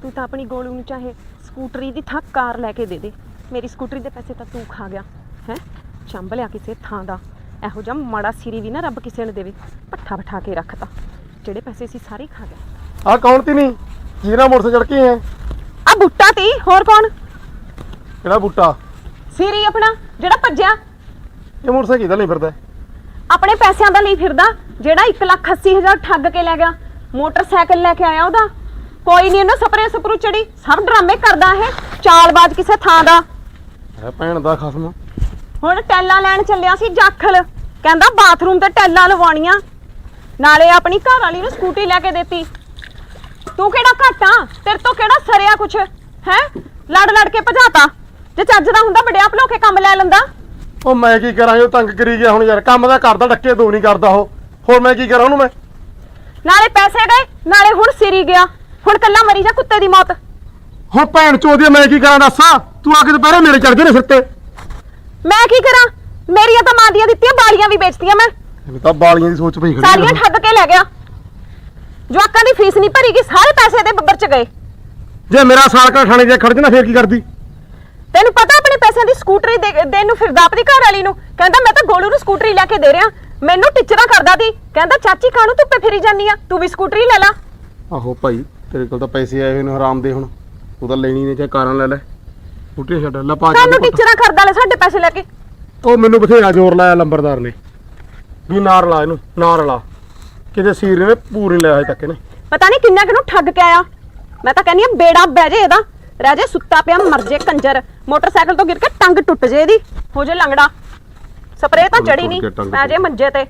ਤੂੰ ਤਾਂ ਆਪਣੀ ਗੋਲੂ ਨੂੰ ਚਾਹੇ ਸਕੂਟਰੀ ਦੀ ਥਾਂ ਕਾਰ ਲੈ ਕੇ ਦੇ ਦੇ, ਮੇਰੀ ਸਕੂਟਰੀ ਦੇ ਪੈਸੇ ਤਾਂ ਤੂੰ ਖਾ ਗਿਆ ਹੈ। ਚੰਬ ਲਿਆ ਕਿਸੇ ਥਾਂ ਦਾ, ਇਹੋ ਜਿਹਾ ਮਾੜਾ ਸਿਰੀ ਵੀ ਨਾ ਰੱਬ ਕਿਸੇ ਨੂੰ ਦੇਵੇ। ਪੱਠਾ ਬਿਠਾ ਕੇ ਰੱਖਤਾ, ਜਿਹੜੇ ਪੈਸੇ ਸੀ ਸਾਰੇ ਖਾ ਗਿਆ।
ਆ ਕੌਣ ਤੀ ਨਹੀਂ ਜੀਰਾ ਮੋਟਰ ਚੜ ਕੇ ਹੈ?
ਆ ਬੁੱਟਾ ਤੀ, ਹੋਰ ਕੌਣ?
ਕਿਹੜਾ ਬੂਟਾ?
ਸਿਰੀ ਆਪਣਾ ਜਿਹੜਾ ਭੱਜਿਆ,
ਇਹ ਮੋਟਰਸਾਈਕਲ ਕਿਹਦਾ ਨਹੀਂ ਫਿਰਦਾ?
ਆਪਣੇ ਪੈਸਿਆਂ ਦਾ ਲਈ ਫਿਰਦਾ, ਜਿਹੜਾ 1,80,000 ਠੱਗ ਕੇ ਲੈ ਗਿਆ। ਮੋਟਰਸਾਈਕਲ ਲੈ ਕੇ ਆਇਆ ਉਹਦਾ, ਕੋਈ ਨਹੀਂ ਉਹਨੂੰ ਸਪਰੇ ਸਪਰੂ ਚੜੀ। ਸਭ ਡਰਾਮੇ ਕਰਦਾ ਇਹ, ਚਾਲਬਾਜ਼ ਕਿਸੇ ਥਾਂ ਦਾ।
ਹੈ ਭੈਣ ਦਾ ਖਸਮ।
ਹੁਣ ਟੈਲਾਂ ਲੈਣ ਚੱਲਿਆ ਸੀ ਜਾਖਲ, ਕਹਿੰਦਾ ਬਾਥਰੂਮ ਤੇ ਟੈਲਾਂ ਲਵਾਉਣੀਆਂ, ਨਾਲੇ ਆਪਣੀ ਘਰ ਵਾਲੀ ਨੂੰ ਸਕੂਟੀ ਲੈ ਕੇ ਦਿੱਤੀ। ਤੂੰ ਕਿਹੜਾ ਘਾਟਾ, ਤੇਰੇ ਤੋਂ ਕਿਹੜਾ ਸਰਿਆ ਕੁਛ ਹੈ? ਲੜ ਲੜ ਕੇ ਭਜਾਤਾ। ਜੇ ਚੱਜ ਦਾ ਹੁੰਦਾ ਵੱਡਿਆ ਭਲੋ ਕੇ ਕੰਮ ਲੈ ਲੈਂਦਾ।
ਉਹ ਮੈਂ ਕੀ ਕਰਾਂ, ਉਹ ਤੰਗ ਕਰੀ ਗਿਆ ਹੁਣ ਯਾਰ। ਕੰਮ ਦਾ ਕਰਦਾ, ਡੱਕੇ ਦੋ ਨਹੀਂ ਕਰਦਾ ਉਹ। ਹੋਰ ਮੈਂ ਕੀ ਕਰਾਂ ਉਹਨੂੰ? ਮੈਂ
ਨਾਲੇ ਪੈਸੇ ਗਏ, ਨਾਲੇ ਹੁਣ ਸਿਰੀ ਗਿਆ। ਹੁਣ ਕੱਲਾ ਮਰੀ ਜਾ ਕੁੱਤੇ ਦੀ ਮੌਤ।
ਹੁਣ ਭੈਣ ਚੋਦੀ ਮੈਂ ਕੀ ਕਰਾਂ ਦੱਸ? ਤੂੰ ਆ ਕੇ ਦੁਪਹਿਰੇ ਮੇਰੇ ਚੜ ਗਏ ਨੇ ਸਿਰ ਤੇ।
ਮੈਂ ਕੀ ਕਰਾਂ? ਮੇਰੀਆਂ ਤਾਂ ਮਾਂ ਦੀਆਂ ਦਿੱਤੀਆਂ ਬਾਲੀਆਂ ਵੀ ਵੇਚਤੀਆਂ ਮੈਂ,
ਇਹਨੂੰ ਤਾਂ ਬਾਲੀਆਂ ਦੀ ਸੋਚ ਪਈ ਖੜੀ
ਸਾਰੀਆਂ ਠੱਗ ਕੇ ਲੈ ਗਿਆ। ਜਵਾਕਾਂ ਦੀ ਫੀਸ ਨਹੀਂ ਭਰੀ ਗਈ, ਸਾਰੇ ਪੈਸੇ ਤੇ ਬੱਬਰ ਚ ਗਏ।
ਜੇ ਮੇਰਾ ਸਾਲ ਕਾ ਥਾਣੇ 'ਚ ਖੜ ਜਾਣਾ ਫੇਰ ਕੀ ਕਰਦੀ?
ਤੈਨੂੰ ਪਤਾ ਆਪਣੇ ਪੈਸਿਆਂ ਦੀ ਸਕੂਟਰੀ ਦੇਣ ਨੂੰ ਫਿਰਦਾ ਆਪਣੀ ਘਰ ਵਾਲੀ ਨੂੰ। ਕਹਿੰਦਾ ਮੈਂ ਤਾਂ ਗੋਲੂ ਨੂੰ ਸਕੂਟਰੀ ਲੈ ਕੇ ਦੇ ਰਿਹਾ। ਮੈਨੂੰ ਟਿਚਰਾ ਕਰਦਾ ਸੀ, ਕਹਿੰਦਾ ਚਾਚੀ ਕਾਹਨੂੰ ਧੁੱਪੇ ਫਿਰੀ ਜਾਂਦੀ ਆ, ਤੂੰ ਵੀ ਸਕੂਟਰੀ ਲੈ ਲਾ।
ਆਹੋ ਭਾਈ, ਤੇਰੇ ਕੋਲ ਤਾਂ ਪੈਸੇ ਆਏ ਹੋਏ ਨੇ ਹਰਾਮ ਦੇ। ਹੁਣ ਤੂੰ ਤਾਂ ਲੈਣੀ ਨੇ, ਚਾਹੇ ਕਾਰਾਂ ਲੈ ਲੈ, ਸਕੂਟਰੀ ਛੱਡ ਲੈ ਪਾ
ਸਾਨੂੰ ਟਿਚਰਾ ਕਰਦਾ ਲੈ ਸਾਡੇ ਪੈਸੇ ਲੈ ਕੇ।
ਉਹ ਮੈਨੂੰ ਬਥੇਰਾ ਜ਼ੋਰ ਲਾਇਆ ਲੰਬਰਦਾਰ ਨੇ ਵੀ ਨਾ ਰਲਾ ਇਹਨੂੰ, ਨਾ ਰਲਾ। ਕਿਤੇ ਸੀਰ ਨੇ ਪੂਰੀ ਲਿਆ ਹਜੇ ਤੱਕ ਇਹਨੇ।
ਪਤਾ ਨਹੀਂ ਕਿੰਨਾ ਕਿਨੂੰ ਠੱਗ ਕੇ ਆਇਆ। ਮੈਂ ਤਾਂ ਕਹਿੰਦੀ ਆ ਬੇੜਾ ਬਹਿ ਜੇ ਇਹਦਾ, ਰਹਿ ਜੇ ਸੁੱਤਾ ਪਿਆ, ਮਰ ਜੇ ਕੰਜਰ। ਮੋਟਰਸਾਈਕਲ ਤੋਂ ਗਿਰ ਕੇ ਟੰਗ ਟੁੱਟ ਜੇ ਇਹਦੀ, ਹੋ ਜੇ ਲੰਗੜਾ। ਸਪਰੇਅ ਤਾਂ ਚੜੀ ਨਹੀਂ, ਪੈ ਜੇ ਮੰਜੇ ਤੇ।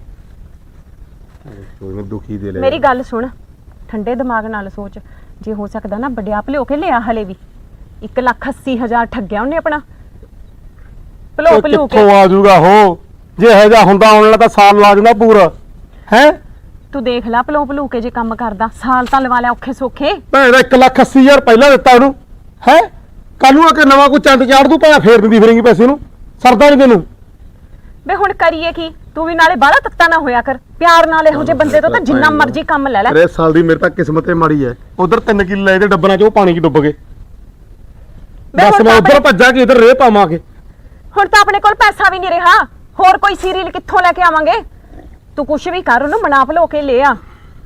ਉਹਨੇ ਦੁਖੀ ਦੇ ਲਿਆ।
ਮੇਰੀ ਗੱਲ ਸੁਣ, ਠੰਡੇ ਦਿਮਾਗ ਨਾਲ ਸੋਚ। ਜੇ ਹੋ ਸਕਦਾ ਨਾ ਵੱਡਿਆ ਭਲਿਓ ਕੇ ਲਿਆ, ਹਲੇ ਵੀ 1,80,000 ਠੱਗਿਆ ਉਹਨੇ ਆਪਣਾ ਭਲੋ ਭਲੂ ਕੇ।
ਕਿੱਥੋਂ ਆ ਜਾਊਗਾ ਉਹ? ਜੇ ਇਹ ਜਾ ਹੁੰਦਾ ਆਉਣ ਵਾਲਾ ਤਾਂ ਸਾਲ ਲਾ ਜਾਂਦਾ ਪੂਰਾ ਹੈ।
ਤੂੰ ਦੇਖ ਲੈ ਭਲੋ ਭਲੂ ਕੇ ਜੇ ਕੰਮ ਕਰਦਾ, ਸਾਲ ਤਾਂ ਲਵਾ ਲਿਆ ਔਖੇ ਸੌਖੇ।
ਭੈਣ ਦਾ 1,80,000 ਪਹਿਲਾਂ ਦਿੱਤਾ ਉਹਨੂੰ ਹੈ। ਕੱਲ ਨੂੰ ਆ ਕੇ ਨਵਾਂ ਕੋਈ ਚੰਦ ਚਾੜ ਦੂ, ਭਾਵੇਂ ਫੇਰ ਦਿੰਦੀ ਫਿਰੇਂਗੀ ਪੈਸੇ ਨੂੰ। ਸਰਦਾ ਨਹੀਂ ਤੈਨੂੰ?
ਵੇ ਹੁਣ ਕਰੀਏ ਕੀ? ਤੂੰ ਵੀ ਨਾਲੇ ਬਾਹਲਾ ਤੱਤਾ ਨਾ ਹੋਇਆ ਕਰ, ਪਿਆਰ ਨਾਲ ਇਹੋ ਜਿਹੇ ਬੰਦੇ ਤੋਂ ਤਾਂ ਜਿੰਨਾ ਮਰਜ਼ੀ ਕੰਮ ਲੈ ਲੈ।
ਅਰੇ ਸਾਲ ਦੀ ਮੇਰੇ ਤਾਂ ਕਿਸਮਤ ਹੀ ਮਾੜੀ ਹੈ। ਉਧਰ 3 ਕਿੱਲੇ ਲਏ ਤੇ ਡੱਬਰਾਂ 'ਚ ਉਹ ਪਾਣੀ 'ਚ ਡੁੱਬ ਗਏ। ਬਸ ਮੈਂ ਉਧਰ ਭੱਜਾ ਕਿ ਇਧਰ ਰੇਹ ਪਾਵਾਂਗੇ।
ਹੁਣ ਤਾਂ ਆਪਣੇ ਕੋਲ ਪੈਸਾ ਵੀ ਨਹੀਂ ਰਿਹਾ, ਹੋਰ ਕੋਈ ਸੀਰੀਅਲ ਕਿੱਥੋਂ ਲੈ ਕੇ ਆਵਾਂਗੇ? ਤੂੰ ਕੁਛ ਵੀ ਕਰ, ਉਹਨੂੰ ਮਨਾ ਭਲੋ ਕੇ ਲੈ ਆ।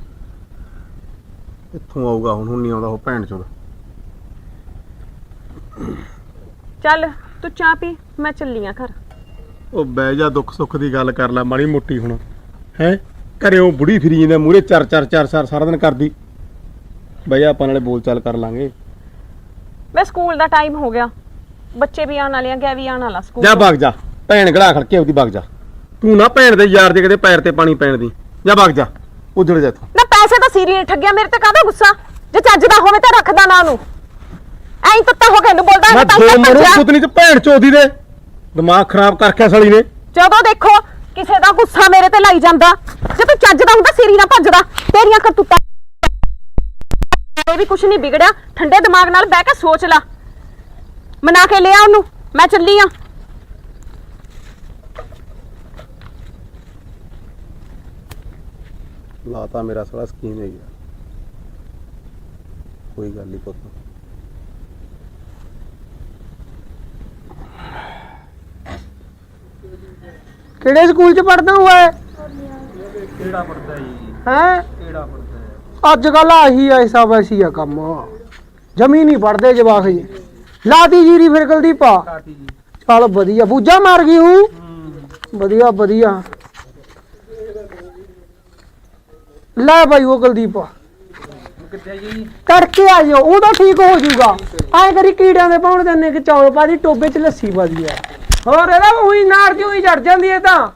ਕਿੱਥੋਂ ਆਊਗਾ ਹੁਣ ਨਹੀਂ ਆਉਂਦਾ ਉਹ ਭੈਣ ਚੋਦ।
ਚੱਲ ਤੂੰ ਚਾਹ ਪੀ, ਮੈਂ ਚੱਲੀ ਆ ਘਰ।
ਉਹ ਬਹਿ ਜਾ, ਦੁੱਖ ਸੁੱਖ ਦੀ ਗੱਲ ਕਰ ਲੈ ਮਾੜੀ ਮੋਟੀ ਹੁਣ ਹੈ। ਘਰੇ ਉਹ ਬੁੜੀ ਫਿਰੀ ਜਾਂਦਾ ਮੂਹਰੇ ਚਾਰ ਸਾਰਾ ਦਿਨ ਕਰਦੀ। ਬਹਿ ਜਾ, ਆਪਾਂ ਨਾਲੇ ਬੋਲ ਚਾਲ ਕਰ ਲਾਂਗੇ।
ਮੈਂ ਸਕੂਲ ਦਾ ਟਾਈਮ ਹੋ ਗਿਆ, ਬੱਚੇ ਵੀ ਆਉਣ ਵਾਲੇ ਆ, ਗਿਆ ਵੀ ਆਉਣ ਵਾਲਾ ਸਕੂਲ।
ਜਾ ਭੱਗ ਜਾ, ਭੈਣ ਗੜਾ ਖੜਕੇ ਉਹਦੀ ਭੱਗ ਜਾ। ਤੂੰ ਨਾ ਭੈਣ ਦੇ ਯਾਰ ਦੇ ਕਿਤੇ ਪੈਰ ਤੇ ਪਾਣੀ ਪੈਣ ਦੀ। ਜਾ ਭੱਗ ਜਾ, ਉਜੜ ਜਾ ਤੂੰ।
ਨਾ ਪੈਸੇ ਤਾਂ ਸੀਰੀਅਲ ਠੱਗਿਆ, ਮੇਰੇ ਤੇ ਕਾਹਦਾ ਗੁੱਸਾ? ਜੇ ਚੱਜ ਦਾ ਹੋਵੇ ਤਾਂ ਰੱਖਦਾ ਨਾ ਉਹਨੂੰ। ਐਂ ਤੱਤਾ ਹੋ ਕੇ ਇਹਨੂੰ ਬੋਲਦਾ
ਮੈਂ
ਤਾਂ
ਦੋ ਮਰੂ
ਭੱਜਿਆ।
ਪੁੱਤਨੀ ਚ ਭੈਣ ਚੋਦੀ ਦੇ ਦਿਮਾਗ ਖਰਾਬ ਕਰਕੇ ਸਾਲੀ ਨੇ।
ਜਦੋਂ ਦੇਖੋ ਕਿਸੇ ਦਾ ਗੁੱਸਾ ਮੇਰੇ ਤੇ ਲਾਈ ਜਾਂਦਾ। ਜੇ ਤੂੰ ਚੱਜ ਦਾ ਹੁੰਦਾ ਸੀਰੀ ਨਾ ਭੱਜਦਾ। ਤੇਰੀਆਂ ਕਰਤੂਤਾਂ ਇਹ ਵੀ ਕੁਛ ਨਹੀਂ ਵਿਗੜਿਆ। ਠੰਡੇ ਦਿਮਾਗ ਨਾਲ ਬਹਿ ਕੇ ਸੋਚ ਲੈ, ਮਨਾ ਕੇ ਲਿਆ ਉਹਨੂੰ। ਮੈਂ ਚੱਲੀ ਆ।
ਲਾਤਾ ਮੇਰਾ ਸਾਲਾ ਸਕੀਮ ਹੈ ਗਿਆ। ਕੋਈ ਗੱਲ ਨਹੀਂ ਪੁੱਤ।
ਕਿਹੜੇ ਸਕੂਲ 'ਚ ਪੜਦਾ ਹੋਇਆ?
ਕਿਹੜਾ ਪੜਦਾ ਜੀ?
ਹੈ
ਕਿਹੜਾ ਪੜਦਾ?
ਅੱਜ ਕੱਲ ਆਹੀ ਐਸਾ ਵੈਸੀ ਆ ਕੰਮ। ਜਮੀ ਨਹੀਂ ਪੜਦੇ ਜਵਾਕ ਜੀ। ਲਾਤੀ ਜੀਰੀ ਫਿਰ ਕੁਲਦੀਪ ਆ।
ਕਾਟੀ ਜੀ।
ਚੱਲ ਵਧੀਆ, ਬੂਝਾ ਮਾਰ ਗਈ ਹੂੰ। ਵਧੀਆ ਵਧੀਆ। ਲੈ ਭਾਈ ਉਹ ਕੁਲਦੀਪ
ਕਿੱਥੇ ਜੀ?
ਕਰਕੇ ਆ ਜਾਓ, ਉਹ ਤਾਂ ਠੀਕ ਹੋ ਜਾਊਗਾ। ਐਂ ਕਰੀ ਕੀੜਿਆਂ ਦੇ ਪਾਉਣ ਦਿੰਨੇ ਕਿ ਚੌਲ ਪਾ ਦੀ, ਟੋਬੇ 'ਚ ਲੱਸੀ ਪਾ ਦੀ ਆ। ਹੋਰ ਇਹਦਾ ਉਹੀ ਨਾਰ ਕਿਉਂ ਹੀ ਚੜ ਜਾਂਦੀ ਹੈ ਤਾਂ।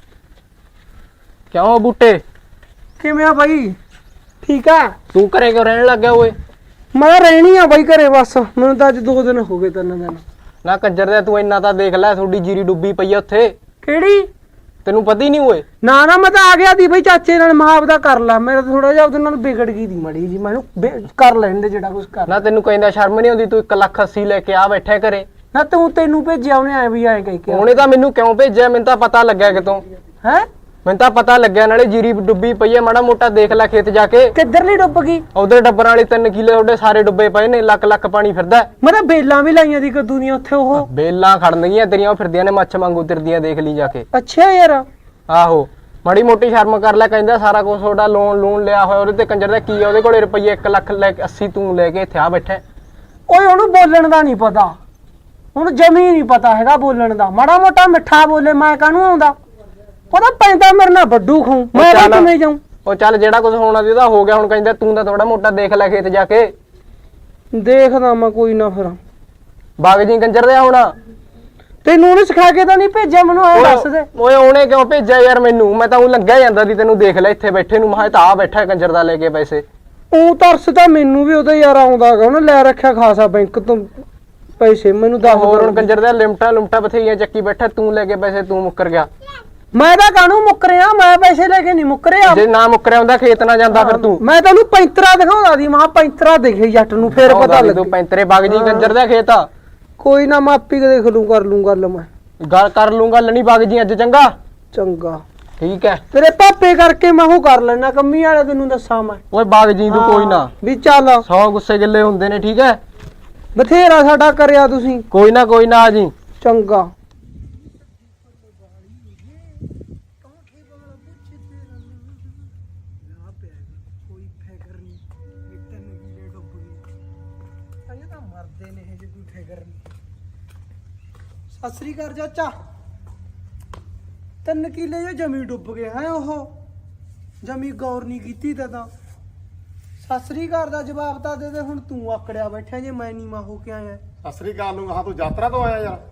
ਕਿਉਂ ਬੂਟੇ,
ਕਿਵੇਂ ਆ ਭਾਈ? ਠੀਕ ਆ।
ਤੂੰ ਘਰੇ ਕਿਉਂ ਰਹਿਣ ਲੱਗਿਆ ਓਏ?
ਮੈਂ ਰਹਿਣੀ ਆ ਬਾਈ ਘਰੇ, ਬਸ ਮੈਨੂੰ ਤਾਂ ਅੱਜ 2 ਦਿਨ ਹੋ ਗਏ, 3 ਦਿਨ।
ਨਾ ਕੰਜਰ ਦੇ, ਤੂੰ ਇੰਨਾ ਤਾਂ ਦੇਖ ਲੈ, ਤੁਹਾਡੀ ਜੀਰੀ ਡੁੱਬੀ ਪਈ ਆ ਉੱਥੇ।
ਕਿਹੜੀ?
ਤੈਨੂੰ ਪਤਾ ਹੀ ਨਹੀਂ ਓਏ।
ਨਾ ਨਾ ਮੈਂ ਤਾਂ ਆ ਗਿਆ ਦੀ ਬਈ ਚਾਚੇ ਨਾਲ, ਮਾਂ ਦਾ ਕਰ ਲਾ। ਮੇਰਾ ਥੋੜਾ ਜਿਹਾ ਉਹਦੇ ਨਾਲ ਵਿਗੜ ਗਈ ਦੀ ਮੜੀ ਜੀ, ਮੈਨੂੰ ਕਰ ਲੈਣ ਦੇ ਜਿਹੜਾ ਕੁਝ ਕਰ।
ਨਾ ਤੈਨੂੰ ਕਹਿੰਦਾ ਸ਼ਰਮ ਨਹੀਂ ਆਉਂਦੀ? ਤੂੰ 1,80,000 ਲੈ ਕੇ ਆ ਬੈਠਾ ਘਰੇ।
ਨਾ ਤੈਨੂੰ ਭੇਜਿਆ ਉਹਨੇ, ਐ ਵੀ ਐ ਕਹਿ ਕੇ।
ਉਹਨੇ ਤਾਂ ਮੈਨੂੰ ਕਿਉਂ ਭੇਜਿਆ? ਮੈਨੂੰ ਤਾਂ ਪਤਾ ਲੱਗਿਆ ਕਿਤੋਂ।
ਹੈ
ਮੈਨੂੰ ਤਾਂ ਪਤਾ ਲੱਗਿਆ ਨਾਲੇ ਜੀਰੀ ਡੁੱਬੀ ਪਈ ਹੈ, ਮਾੜਾ ਮੋਟਾ ਦੇਖ ਲੈ ਖੇਤ ਜਾ ਕੇ।
ਕਿੱਧਰਲੀ ਡੁੱਬ ਗਈ?
ਉਧਰ ਡੱਬਰਾਂ ਵਾਲੀ 3 ਕਿੱਲੇ ਤੁਹਾਡੇ ਸਾਰੇ ਡੁੱਬੇ ਪਏ ਨੇ, ਲੱਖ ਲੱਖ ਪਾਣੀ ਫਿਰਦਾ।
ਮੈਂ ਤਾਂ ਬੇਲਾਂ ਵੀ ਲਾਈਆਂ ਦੀ ਕੱਦੂ ਦੀਆਂ ਉੱਥੇ ਉਹ।
ਬੇਲਾਂ ਖੜਨਗੀਆਂ ਤੇਰੀਆਂ, ਉਹ ਫਿਰਦੀਆਂ ਨੇ ਮੱਛ ਵਾਂਗੂ ਤਿਰਦੀਆਂ, ਦੇਖ ਲਈ ਜਾ ਕੇ।
ਅੱਛਾ ਯਾਰ,
ਆਹੋ ਮਾੜੀ ਮੋਟੀ ਸ਼ਰਮ ਕਰ ਲੈ। ਕਹਿੰਦਾ ਸਾਰਾ ਕੁਝ ਤੁਹਾਡਾ ਲੋਨ ਲਿਆ ਹੋਇਆ ਉਹਦੇ ਤੇ, ਕੰਜਰ ਦਾ ਕੀ ਆ ਉਹਦੇ ਕੋਲੇ ਰੁਪਈਏ 1 ਲੱਖ ਲੈ ਕੇ 80 ਤੂੰ ਲੈ ਕੇ ਇੱਥੇ ਆ ਬੈਠਾ।
ਓਏ ਉਹਨੂੰ ਬੋਲਣ ਦਾ ਨਹੀਂ ਪਤਾ, ਹੁਣ ਜਮੀ ਨਹੀਂ ਪਤਾ ਹੈਗਾ ਬੋਲਣ ਦਾ। ਮਾੜਾ ਮੋਟਾ ਮਿੱਠਾ ਬੋਲੇ, ਮੈਂ ਕਾਹਨੂੰ ਆਉਂਦਾ? ਉਹਦਾ ਪੈਂਦਾ ਮੇਰੇ ਨਾਲ ਵੱਡੂ ਖਾਉ, ਮੈਂ ਤਾਂ ਕਿਵੇਂ ਜਾਉਂ?
ਉਹ ਚੱਲ ਜਿਹੜਾ ਕੁਝ ਹੋਣਾ ਸੀ ਉਹਦਾ ਹੋ ਗਿਆ, ਹੁਣ ਕਹਿੰਦਾ ਤੂੰ ਤਾਂ ਥੋੜਾ ਮੋਟਾ ਦੇਖ ਲੈ ਖੇਤ ਜਾ ਕੇ।
ਦੇਖਦਾ ਮੈਂ ਕੋਈ ਨਾ, ਫਿਰ
ਬਾਗ ਜੀ ਕੰਜਰ ਦੇ ਹੁਣ।
ਤੈਨੂੰ ਉਹਨੇ ਸਿਖਾ ਕੇ ਤਾਂ ਨਹੀਂ ਭੇਜਿਆ? ਮੈਨੂੰ ਐ ਦੱਸ ਦੇ।
ਓਏ ਉਹਨੇ ਕਿਉਂ ਭੇਜਿਆ ਯਾਰ ਮੈਨੂੰ? ਮੈਂ ਤਾਂ ਉਹ ਲੰਘਿਆ ਜਾਂਦਾ ਸੀ, ਤੈਨੂੰ ਦੇਖ ਲੈ ਇੱਥੇ ਬੈਠੇ ਨੂੰ, ਮੈਂ ਤਾਂ ਆ ਬੈਠਾ ਕੰਜਰ ਦਾ ਲੈ ਕੇ ਪੈਸੇ।
ਉਹ ਤਰਸ ਤਾਂ ਮੈਨੂੰ ਵੀ ਉਹਦਾ ਯਾਰ ਆਉਂਦਾ ਗਾ, ਉਹਨੇ ਲੈ ਰੱਖਿਆ ਖਾਸਾ ਬੈਂਕ ਤੋਂ ਪੈਸੇ। ਮੈਨੂੰ ਦੱਸ
ਹੋਰ ਹੁਣ ਕੰਜਰ ਦਾ ਲਿਮਟਾਂ ਬਥੇਰੀਆਂ ਚੱਕੀ ਬੈਠਾ, ਤੂੰ ਲੈ ਕੇ ਪੈਸੇ ਤੂੰ ਮੁੱਕਰ ਗਿਆ।
ਮੈਂ ਤਾਂ ਕਾਹਨੂੰ ਮੁੱਕਰਿਆ? ਮੈਂ ਪੈਸੇ ਲੈ ਕੇ ਨਹੀਂ ਮੁੱਕਰਿਆ।
ਜੇ ਨਾ ਮੁੱਕਰਿਆ ਹੁੰਦਾ ਖੇਤ ਨਾ ਜਾਂਦਾ ਫਿਰ ਤੂੰ।
ਮੈਂ ਤੈਨੂੰ ਪੈਂਤਰਾ ਦਿਖਾਉਂਦਾ ਸੀ, ਮੈਂ ਪੈਂਤਰਾ ਦੇਖੇ ਜੱਟ ਨੂੰ, ਫੇਰ ਪਤਾ
ਤੂੰ
ਲੱਗੇ।
ਪੈਂਤਰੇ ਬਾਗ ਜੀ ਕੰਜਰ ਦਾ ਖੇਤ ਆ।
ਕੋਈ ਨਾ, ਮੈਂ ਆਪੀ ਦੇਖ ਲੂੰ, ਕਰ ਲੂੰ ਗੱਲ ਮੈਂ।
ਗੱਲ ਕਰ ਲੂੰਗਾ, ਲਣੀ ਬਾਗ ਜੀ ਅੱਜ। ਚੰਗਾ
ਚੰਗਾ,
ਠੀਕ ਹੈ।
ਤੇਰੇ ਪਾਪੇ ਕਰਕੇ ਮੈਂ ਉਹ ਕਰ ਲੈਣਾ ਕੰਮੀ ਵਾਲੇ, ਤੈਨੂੰ ਦੱਸਾਂ ਮੈਂ।
ਓਏ ਬਾਗ ਜੀ ਤੂੰ ਕੋਈ ਨਾ,
ਵੀ ਚੱਲ
100 ਗੁੱਸੇ ਗਿੱਲੇ ਹੁੰਦੇ ਨੇ, ਠੀਕ ਹੈ।
ਬਥੇਰਾ ਸਾਡਾ ਕਰਿਆ ਤੁਸੀਂ।
ਕੋਈ ਨਾ ਆ ਜੀ।
ਚੰਗਾ। ਸਤਿ ਸ੍ਰੀ ਅਕਾਲ ਚਾਚਾ। 3 ਕਿੱਲੇ ਜੋ ਜਮੀ ਡੁੱਬ ਗਏ ਹੈ, ਉਹ ਜਮੀ ਗੌਰ ਨਹੀਂ ਕੀਤੀ ਤਾਂ। ਸਤਿ ਸ੍ਰੀ ਅਕਾਲ ਦਾ ਜਵਾਬ ਤਾਂ ਦੇ ਦੇ। ਹੁਣ ਤੂੰ ਆਕੜਿਆ ਬੈਠਾ ਜੇ ਮੈਂ ਨਹੀਂ ਮਾ ਹੋ ਕੇ ਆਇਆ।
ਸਤਿ ਸ੍ਰੀ ਅਕਾਲ ਨੂੰ ਕਹਾ, ਤੂੰ ਯਾਤਰਾ ਤੋਂ ਆਇਆ ਯਾਰ?